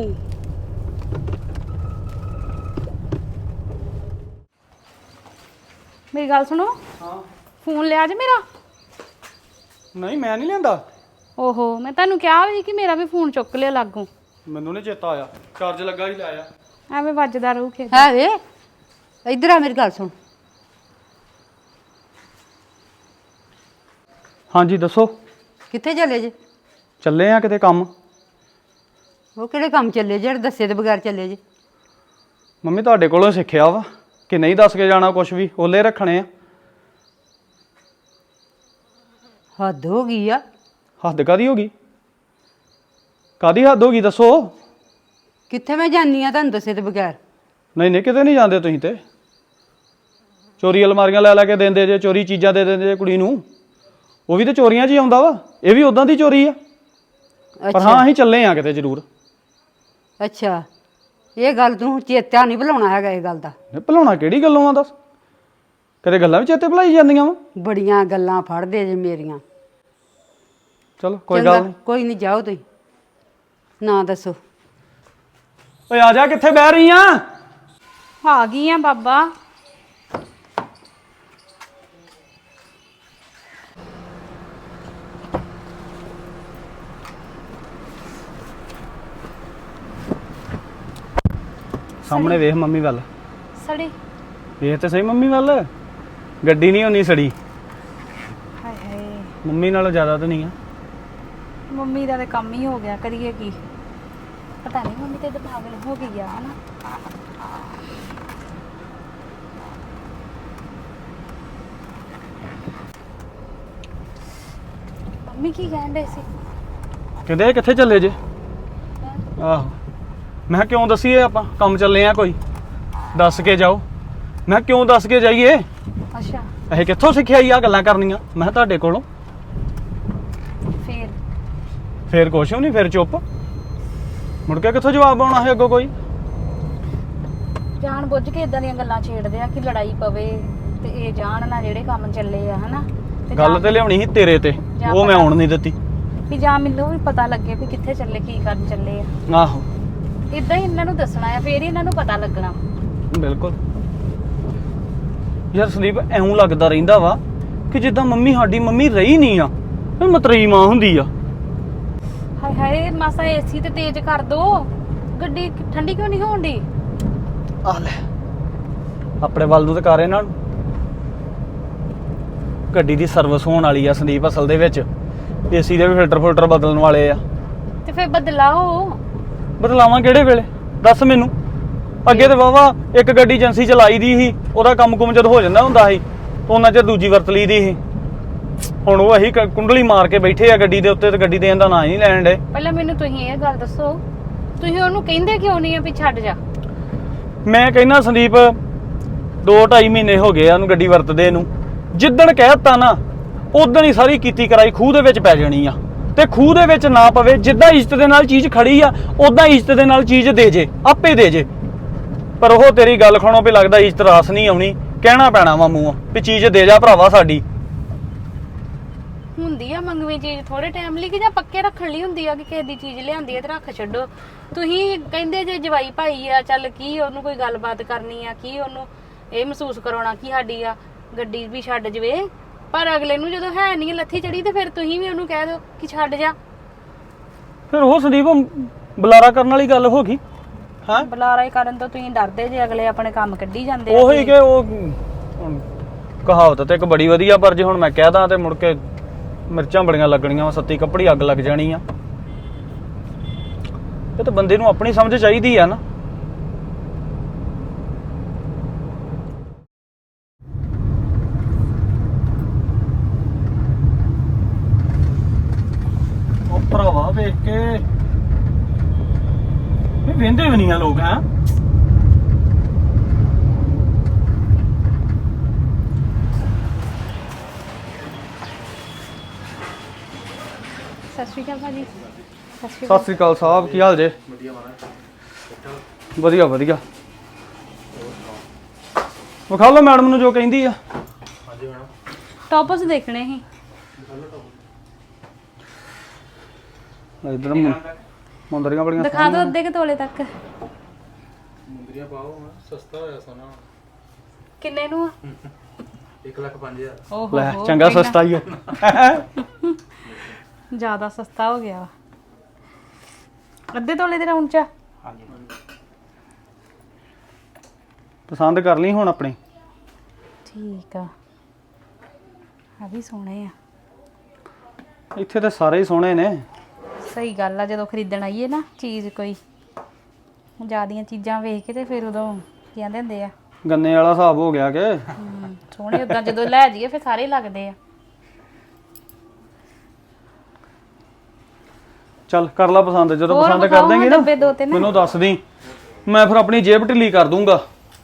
Speaker 5: ਮੇਰੀ ਗੱਲ ਸੁਣੋ।
Speaker 6: ਹਾਂ
Speaker 5: ਫੋਨ ਲਿਆ ਜੇ ਮੇਰਾ?
Speaker 6: ਨਹੀਂ ਮੈਂ ਨਹੀਂ ਲੈਂਦਾ।
Speaker 5: ਓਹੋ, ਮੈਂ ਤੁਹਾਨੂੰ ਕਿਹਾ ਵੀ ਕਿ ਮੇਰਾ ਵੀ ਫੋਨ ਚੁੱਕ ਲਿਆ ਲਾਗੋਂ।
Speaker 6: ਮੈਨੂੰ ਨਹੀਂ ਚੇਤਾ ਆਇਆ, ਚਾਰਜ ਲੱਗਾ ਹੀ ਲਾਇਆ।
Speaker 5: ਐਵੇਂ ਵੱਜਦਾ ਰਹੂ ਖੇਤ।
Speaker 7: ਹੈ ਵੇ ਇੱਧਰ ਆ, ਮੇਰੀ ਗੱਲ ਸੁਣ।
Speaker 6: ਹਾਂਜੀ ਦੱਸੋ।
Speaker 3: ਕਿੱਥੇ ਚੱਲੇ ਜੇ?
Speaker 6: ਚੱਲੇ ਆ ਕਿਤੇ ਕੰਮ।
Speaker 3: ਉਹ ਕਿਹੜੇ ਕੰਮ ਚੱਲੇ ਜਿਹੜੇ ਦੱਸੇ ਦੇ ਬਗੈਰ ਚੱਲੇ ਜੇ?
Speaker 6: ਮੰਮੀ ਤੁਹਾਡੇ ਕੋਲੋਂ ਸਿੱਖਿਆ ਵਾ ਕਿ ਨਹੀਂ ਦੱਸ ਕੇ ਜਾਣਾ ਕੁਝ ਵੀ, ਓਲੇ ਰੱਖਣੇ ਆ।
Speaker 3: ਹੱਦ ਹੋ ਗਈ ਆ।
Speaker 6: ਹੱਦ ਕਾਦੀ ਹੋ ਗਈ? ਕਾਦੀ ਹੱਦ ਹੋ ਗਈ ਦੱਸੋ।
Speaker 3: ਕਿੱਥੇ ਮੈਂ ਜਾਨੀ ਆ ਤੁਹਾਨੂੰ ਦੱਸੇ ਦੇ ਬਗੈਰ?
Speaker 6: ਨਹੀਂ ਨਹੀਂ ਕਿਤੇ ਨਹੀਂ ਜਾਂਦੇ ਤੁਸੀਂ ਤੇ। ਚੋਰੀ ਅਲਮਾਰੀਆਂ ਲੈ ਲੈ ਕੇ ਦਿੰਦੇ ਜੇ, ਚੋਰੀ ਚੀਜ਼ਾਂ ਦੇ ਦਿੰਦੇ ਜੇ ਕੁੜੀ ਨੂੰ। ਉਹ ਵੀ ਤੇ ਚੋਰੀਆਂ 'ਚ ਹੀ ਆਉਂਦਾ ਵਾ, ਇਹ ਵੀ ਉਦਾਂ ਦੀ ਚੋਰੀ ਆ। ਪਰ ਹਾਂ ਅਸੀਂ ਚੱਲੇ ਆ ਕਿਤੇ ਜ਼ਰੂਰ।
Speaker 3: ਅੱਛਾ, ਇਹ ਗੱਲ ਤੂੰ ਚੇਤਾ ਨਹੀਂ ਭੁਲਾਉਣਾ ਹੈਗਾ ਇਹ ਗੱਲ ਦਾ।
Speaker 6: ਭੁਲਾਉਣਾ ਕਿਹੜੀ ਗੱਲੋਂ ਆ ਦੱਸ? ਕਦੇ ਗੱਲਾਂ ਵੀ ਚੇਤੇ ਭੁਲਾਈ ਜਾਂਦੀਆਂ ਵਾ।
Speaker 3: ਬੜੀਆਂ ਗੱਲਾਂ ਫੜਦੇ ਜੇ ਮੇਰੀਆਂ।
Speaker 6: ਚਲੋ ਕੋਈ ਗੱਲ ਨਹੀਂ।
Speaker 3: ਕੋਈ ਨਹੀਂ, ਜਾਓ ਤੁਸੀਂ, ਨਾ ਦੱਸੋ।
Speaker 6: ਓਏ ਆ ਜਾ, ਕਿੱਥੇ ਬਹਿ ਰਹੀ ਆ?
Speaker 5: ਆ ਗਈ ਆ ਬਾਬਾ।
Speaker 6: ਸਾਹਮਣੇ ਵੇਖ ਮੰਮੀ ਵੱਲ।
Speaker 5: ਸੜੀ।
Speaker 6: ਵੇਖ ਤੇ ਸਹੀ ਮੰਮੀ ਵੱਲ। ਗੱਡੀ ਨਹੀਂ ਹੋਣੀ ਸੜੀ।
Speaker 5: ਹਾਏ ਹਾਏ,
Speaker 6: ਮੰਮੀ ਨਾਲੋਂ ਜ਼ਿਆਦਾ ਤਾਂ ਨਹੀਂ ਆ।
Speaker 5: ਮੰਮੀ ਦਾ ਤੇ ਕੰਮ ਹੀ ਹੋ ਗਿਆ, ਕਰੀਏ ਕੀ। ਪਤਾ ਨਹੀਂ ਮੰਮੀ ਤੇ ਪਾਗਲ ਹੋ ਗਈ ਆ ਹਨਾ। ਮੰਮੀ ਕੀ ਕਹਿੰਦੇ ਸੀ?
Speaker 6: ਕਹਿੰਦੇ ਇਹ ਕਿੱਥੇ ਚੱਲੇ ਜੇ? ਆਹੋ ਮੈਂ ਕਿਹਾ ਕਿਉਂ ਦਸੀਏ, ਆਪਾਂ ਕੰਮ ਚੱਲੇ ਆ ਕੋਈ, ਦੱਸ ਕੇ ਜਾਓ। ਮੈਂ ਕਿਹਾ ਕਿਉਂ ਦੱਸ ਕੇ ਜਾਈਏ?
Speaker 5: ਅੱਛਾ
Speaker 6: ਇਹ ਕਿੱਥੋਂ ਸਿੱਖਿਆ ਆ ਗੱਲਾਂ ਕਰਨੀਆਂ? ਮੈਂ ਕਿਹਾ ਤੁਹਾਡੇ ਕੋਲੋਂ। ਫੇਰ ਕੁਛ ਨਹੀਂ, ਫੇਰ ਚੁੱਪ। ਮੁੜ ਕੇ ਕਿੱਥੋਂ ਜਵਾਬ ਆਉਣਾ ਹੈ ਅੱਗੋਂ ਕੋਈ?
Speaker 5: ਜਾਣ ਬੁੱਝ ਕੇ ਇਦਾਂ ਦੀਆਂ ਗੱਲਾਂ ਛੇੜਦੇ ਆ ਕਿ ਲੜਾਈ ਪਵੇ ਤੇ ਇਹ ਜਾਣ ਨਾ ਜਿਹੜੇ ਕੰਮ ਚੱਲੇ ਆ ਹਨਾ।
Speaker 6: ਗੱਲ ਤੇ ਲਿਆਉਣੀ ਸੀ ਤੇਰੇ ਤੇ, ਉਹ ਮੈਂ ਆਉਣ ਨਹੀਂ ਦਿੱਤੀ।
Speaker 5: ਵੀ ਜਾਂ ਮੈਨੂੰ ਵੀ ਪਤਾ ਲੱਗੇ ਵੀ ਕਿੱਥੇ ਚੱਲੇ, ਕੀ ਕਰਨ ਚੱਲੇ ਆ।
Speaker 6: ਆਹੋ
Speaker 5: ਇਦਾਂ ਹੀ ਇਹਨਾਂ ਨੂੰ ਦੱਸਣਾ ਆ, ਫੇਰ ਹੀ ਇਹਨਾਂ ਨੂੰ ਪਤਾ ਲੱਗਣਾ।
Speaker 6: ਬਿਲਕੁਲ ਯਾਰ ਸੰਦੀਪ, ਐਉਂ ਲੱਗਦਾ ਰਹਿੰਦਾ ਵਾ ਕਿ ਜਿੱਦਾਂ ਮੰਮੀ ਸਾਡੀ ਮੰਮੀ ਰਹੀ ਨਹੀਂ ਆ, ਮਤਰੇਈ ਮਾਂ ਹੁੰਦੀ ਆ।
Speaker 5: ਹਾਏ ਹਾਏ, ਮਾਸਾ ਏਸੀ ਤੇ ਤੇਜ਼ ਕਰ ਦੋ, ਗੱਡੀ ਠੰਡੀ ਕਿਉਂ ਨਹੀਂ ਹੋਣ ਦੀ?
Speaker 6: ਆ ਲੈ ਆਪਣੇ ਵੱਲ ਨੂੰ ਤੇ ਕਰ ਇਹਨਾਂ ਨੂੰ। ਗੱਡੀ ਦੀ ਸਰਵਿਸ ਹੋਣ ਵਾਲੀ ਆ ਸੰਦੀਪ, ਅਸਲ ਦੇ ਵਿੱਚ ਏਸੀ ਦੇ ਵੀ ਫਿਲਟਰ ਬਦਲਣ ਵਾਲੇ ਆ।
Speaker 5: ਤੇ ਫੇਰ ਬਦਲਾਓ।
Speaker 6: ਬਦਲਾਵਾਂ ਕਿਹੜੇ ਵੇਲੇ ਦੱਸ ਮੈਨੂੰ? ਅੱਗੇ ਤੇ ਵਾਵਾ ਇੱਕ ਗੱਡੀ ਏਜੰਸੀ ਚਲਾਈ ਦੀ ਸੀ, ਉਹਦਾ ਕੰਮ ਕੁਮ ਜਦ ਹੋ ਜਾਂਦਾ ਹੁੰਦਾ ਸੀ ਉਹਨਾਂ ਚਿਰ ਦੂਜੀ ਵਰਤ ਲਈ ਦੀ ਸੀ। ਹੁਣ ਉਹ ਅਸੀਂ ਕੁੰਡਲੀ ਮਾਰ ਕੇ ਬੈਠੇ ਆ ਗੱਡੀ ਦੇ ਉੱਤੇ ਤੇ ਗੱਡੀ ਦੇਣ ਦਾ ਨਾਂ ਹੀ ਨਹੀਂ ਲੈਣ ਡੇ।
Speaker 5: ਪਹਿਲਾਂ ਮੈਨੂੰ ਤੁਸੀਂ ਇਹ ਗੱਲ ਦੱਸੋ, ਤੁਸੀਂ ਉਹਨੂੰ ਕਹਿੰਦੇ ਕਿਉਂ ਨਹੀਂ ਆ ਵੀ ਛੱਡ ਜਾ?
Speaker 6: ਮੈਂ ਕਹਿੰਦਾ ਸੰਦੀਪ 2-2.5 ਮਹੀਨੇ ਹੋ ਗਏ ਆ ਉਹਨੂੰ ਗੱਡੀ ਵਰਤਦੇ ਨੂੰ। ਜਿੱਦਣ ਕਹਿਤਾ ਨਾ ਉਦਣ ਹੀ ਸਾਰੀ ਕੀਤੀ ਕਰਾਈ ਖੂਹ ਦੇ ਵਿੱਚ ਪੈ ਜਾਣੀ ਆ। ਤੇ ਖੂਹ ਦੇ ਵਿੱਚ ਨਾ ਪਵੇ, ਜਿੱਦਾਂ ਇੱਜ਼ਤ ਦੇ ਨਾਲ ਚੀਜ਼ ਖੜੀ ਆ ਉਦਾਂ ਇੱਜ਼ਤ ਦੇ ਨਾਲ ਚੀਜ਼ ਦੇ ਜੇ, ਆਪੇ ਦੇ ਜੇ। ਪਰ ਉਹ ਤੇਰੀ ਗੱਲ ਖਾਣੋ ਵੀ ਲੱਗਦਾ ਇੱਜ਼ਤ ਰਾਸ ਨਹੀਂ ਆਉਣੀ, ਕਹਿਣਾ ਪੈਣਾ ਵਾ ਮੂੰਹ ਵੀ ਚੀਜ਼ ਦੇ ਜਾ ਭਰਾਵਾ ਸਾਡੀ।
Speaker 5: ਹੁੰਦੀ ਆ ਮੰਗਵੀਂ ਚੀਜ਼ ਥੋੜੇ ਟਾਈਮ ਲਈ ਕਿ ਜਾਂ ਪੱਕੇ ਰੱਖਣ ਲਈ ਹੁੰਦੀ ਆ ਕਿ ਕਿਸੇ ਦੀ ਚੀਜ਼ ਲਿਆਂਦੀ ਆ ਤੇ ਰੱਖ ਛੱਡੋ। ਤੁਸੀਂ ਕਹਿੰਦੇ ਜੇ ਜਵਾਈ ਭਾਈ ਆ, ਚੱਲ ਕੀ ਉਹਨੂੰ ਕੋਈ ਗੱਲਬਾਤ ਕਰਨੀ ਆ, ਕੀ ਉਹਨੂੰ ਇਹ ਮਹਿਸੂਸ ਕਰਾਉਣਾ ਕਿ ਸਾਡੀ ਆ ਗੱਡੀ ਵੀ ਛੱਡ ਜਵੇ। ਪਰ ਅਗਲੇ ਨੂੰ ਜਦੋਂ ਹੈ ਨਹੀਂ ਲੱਥੀ ਚੜੀ ਤੇ ਫਿਰ ਤੁਸੀਂ ਵੀ ਉਹਨੂੰ ਕਹਿ ਦਿਓ ਕਿ ਛੱਡ ਜਾ।
Speaker 6: ਫਿਰ ਉਹ ਸੰਦੀਪ ਬੁਲਾਰਾ ਕਰਨ ਵਾਲੀ ਗੱਲ ਹੋ ਗਈ। ਹਾਂ
Speaker 5: ਬੁਲਾਰਾ ਹੀ ਕਰਨ ਤੋਂ ਤੁਸੀਂ ਡਰਦੇ ਜੇ, ਅਗਲੇ ਆਪਣੇ ਕੰਮ ਕੱਢੀ ਜਾਂਦੇ
Speaker 6: ਉਹੀ ਕਿ ਉਹ ਕਹਾਵਤ ਤੇ ਇੱਕ ਬੜੀ ਵਧੀਆ, ਪਰ ਜੇ ਹੁਣ ਮੈਂ ਕਹਿ ਦਾਂ ਤੇ ਮੁੜ ਕੇ ਮਿਰਚਾਂ ਬੜੀਆਂ ਲੱਗਣੀਆਂ ਵਾ, ਸੱਤੀ ਕੱਪੜੀ ਅੱਗ ਲੱਗ ਜਾਣੀ ਆ। ਇਹ ਤਾਂ ਬੰਦੇ ਨੂੰ ਆਪਣੀ ਸਮਝ ਚਾਹੀਦੀ ਆ ਨਾ। ਉਹ ਭਰਾਵਾ ਵੇਖ ਕੇ ਇਹ ਵਹਿੰਦੇ ਵੀ ਨਹੀਂ ਆ ਲੋਕ। ਹੈ
Speaker 5: ਸਤਿ ਸ਼੍ਰੀ ਅਕਾਲ ਭਾਜੀ।
Speaker 6: ਸਤਿ ਸ੍ਰੀ ਅਕਾਲ ਸਾਹਿਬ, ਕੀ ਹਾਲ ਜੇ? ਵਧੀਆ ਵਧੀਆ। ਵਿਖਾ ਲਓ ਮੈਡਮ ਨੂੰ ਜੋ ਕਹਿੰਦੀ ਆ।
Speaker 5: ਟੌਪਸ ਦੇਖਣੇ ਸੀ।
Speaker 6: ਇਧਰ ਮੁੰਦਰੀਆਂ ਬੜੀਆਂ
Speaker 5: ਦਿਖਾ ਦਿਓ ਅੱਧੇ ਕੁ ਤੋਲੇ ਤੱਕ।
Speaker 7: ਮੁੰਦਰੀਆਂ ਪਾਓ, ਸਸਤਾ ਹੋਇਆ ਸੋਨਾ।
Speaker 5: ਕਿੰਨੇ ਨੂੰ ਆ?
Speaker 7: 1,05,000।
Speaker 5: ਓਹੋ
Speaker 6: ਲੈ ਚੰਗਾ ਸਸਤਾ ਹੀ ਆ।
Speaker 5: ਜ਼ਿਆਦਾ ਸਸਤਾ ਹੋ ਗਿਆ। ਅੱਧੇ ਤੋਲੇ ਦੇ ਰਾਉਂਡ ਚ।
Speaker 6: ਹਾਂਜੀ ਪਸੰਦ ਕਰ ਲਈ ਹੁਣ ਆਪਣੀ।
Speaker 5: ਠੀਕ ਆ, ਆ ਵੀ ਸੋਹਣੇ ਆ।
Speaker 6: ਇੱਥੇ ਤੇ ਸਾਰੇ ਹੀ ਸੋਹਣੇ ਨੇ।
Speaker 5: ਸਹੀ ਗੱਲ ਆ, ਜਦੋਂ ਖਰੀਦਣ ਆਈਏ ਨਾ ਚੀਜ਼ ਕੋਈ ਜ਼ਿਆਦੀਆਂ ਚੀਜ਼ਾਂ ਵੇਖ ਕੇ ਤੇ ਫਿਰ ਉਦੋਂ ਕਹਿੰਦੇ ਹੁੰਦੇ ਆ
Speaker 6: ਗੰਨੇ ਵਾਲਾ ਹਿਸਾਬ ਹੋ ਗਿਆ ਕਿ
Speaker 5: ਸੋਹਣੇ। ਉਦਾਂ ਜਦੋਂ ਲੈ ਜਾਈਏ ਫਿਰ ਸਾਰੇ ਲੱਗਦੇ ਆ।
Speaker 6: ਚੱਲ ਕਰ ਲਾ ਪਸੰਦ, ਜਦੋਂ
Speaker 5: ਹੋਰ
Speaker 6: ਪਸੰਦ
Speaker 5: ਵਿਖਾਓ
Speaker 6: ਕਰ ਦੇਂਗੀ
Speaker 5: ਹਾਂ
Speaker 6: ਨਾ
Speaker 5: ਡੱਬੇ ਦੋ ਤਿੰਨ।
Speaker 6: ਮੈਨੂੰ ਦੱਸ ਦੀ, ਮੈਂ ਫਿਰ ਆਪਣੀ ਜੇਬ ਢਿੱਲੀ ਕਰ ਦੂੰਗਾ।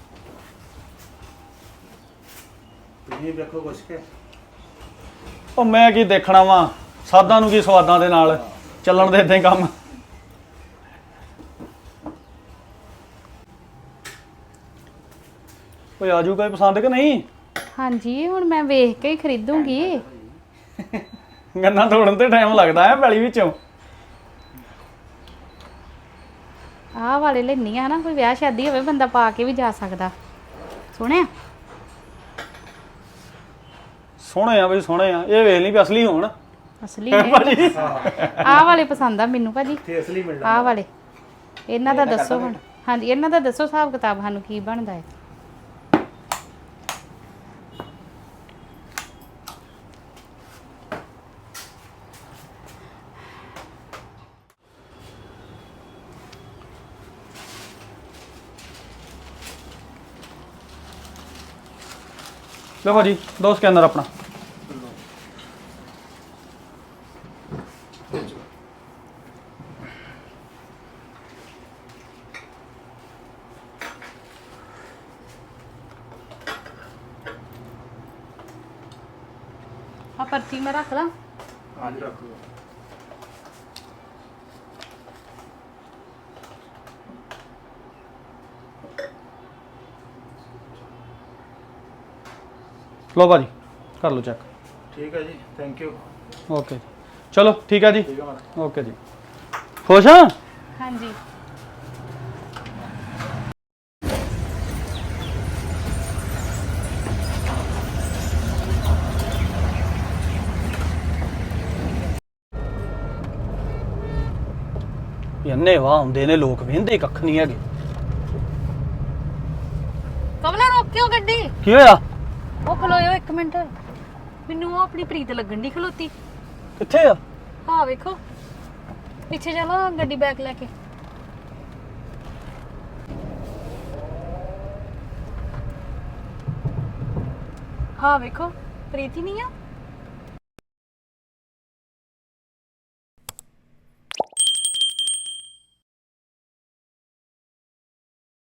Speaker 7: ਤੁਸੀਂ ਵੇਖੋ ਕੁਛ ਕੇ
Speaker 6: ਉਹ ਮੈਂ ਕੀ ਦੇਖਣਾ ਵਾ, ਸਾਦਾਂ ਨੂੰ ਕੀ ਸਵਾਦਾਂ ਦੇ ਨਾਲ ਚੱਲਣ ਦੇ ਇਦਾਂ ਕੰਮ। ਓਏ ਆਜੂ ਕੋਈ ਪਸੰਦ ਕਿ ਨਹੀਂ?
Speaker 5: ਹਾਂਜੀ ਹੁਣ ਮੈਂ ਵੇਖ ਕੇ ਹੀ ਖਰੀਦੂੰਗੀ।
Speaker 6: ਗੰਨਾ ਤੋੜਨ ਤੇ ਟਾਈਮ ਲੱਗਦਾ ਹੈ ਪੈਲੀ ਵਿੱਚੋਂ।
Speaker 5: ਆਹ ਵਾਲੇ ਲੈਣੀ ਆ ਨਾ, ਕੋਈ ਵਿਆਹ ਸ਼ਾਦੀ ਹੋਵੇ ਬੰਦਾ ਪਾ ਕੇ ਵੀ ਜਾ ਸਕਦਾ। ਸੋਹਣੇ ਆ।
Speaker 6: ਸੋਹਣੇ ਆ ਬਈ ਸੋਹਣੇ ਆ, ਇਹ ਵੇਖ ਲਈ ਵੀ ਅਸਲੀ ਹੋਣ।
Speaker 5: ਅਸਲੀ ਨੇ। ਆਹ ਵਾਲੇ ਪਸੰਦ ਆ ਮੈਨੂੰ ਭਾਜੀ।
Speaker 7: ਤੇ ਅਸਲੀ ਮਿਲਦਾ।
Speaker 5: ਆਹ ਵਾਲੇ ਇਹਨਾਂ ਦਾ ਦੱਸੋ ਹੁਣ। ਹਾਂਜੀ ਇਹਨਾਂ ਦਾ ਦੱਸੋ ਹਿਸਾਬ ਕਿਤਾਬ, ਸਾਨੂੰ ਕੀ ਬਣਦਾ ਹੈ।
Speaker 6: ਲਓ ਭਾਜੀ ਦੋ ਸਕੈਨਰ ਆਪਣਾ।
Speaker 5: ਆ ਪਰਚੀ ਮੈਂ ਰੱਖ ਲਾਂ।
Speaker 7: ਹਾਂਜੀ ਰੱਖ ਲਓ।
Speaker 6: ਲਓ ਭਾਜੀ ਕਰ ਲਓ ਚੈੱਕ।
Speaker 7: ਠੀਕ ਹੈ ਜੀ, ਥੈਂਕ ਯੂ।
Speaker 6: ਓਕੇ ਜੀ, ਚਲੋ ਠੀਕ ਹੈ ਜੀ।
Speaker 7: ਠੀਕ ਹੈ ਮਾਤਾ।
Speaker 6: ਓਕੇ ਜੀ, ਖੁਸ਼ ਆ?
Speaker 5: ਹਾਂਜੀ
Speaker 6: ਇੰਨੇ ਵਾਹ ਹੁੰਦੇ ਨੇ ਲੋਕ, ਵੇਂਦੇ ਕੱਖ ਨਹੀਂ ਹੈਗੇ।
Speaker 5: ਕਮਲਾ ਰੋਕਿਓ ਗੱਡੀ।
Speaker 6: ਕੀ ਹੋਇਆ?
Speaker 5: ਉਹ ਖਲੋਇਓ ਇੱਕ ਮਿੰਟ, ਮੈਨੂੰ ਉਹ ਆਪਣੀ ਪ੍ਰੀਤ ਲੱਗਣ ਦੀ ਖਲੋਤੀ।
Speaker 6: ਕਿੱਥੇ ਆ?
Speaker 5: ਹਾਂ ਵੇਖੋ ਪਿੱਛੇ ਚਲੋ ਗੱਡੀ ਬੈਕ ਲੈ ਕੇ। ਹਾਂ ਵੇਖੋ ਪ੍ਰੀਤ ਹੀ ਨਹੀਂ ਆ।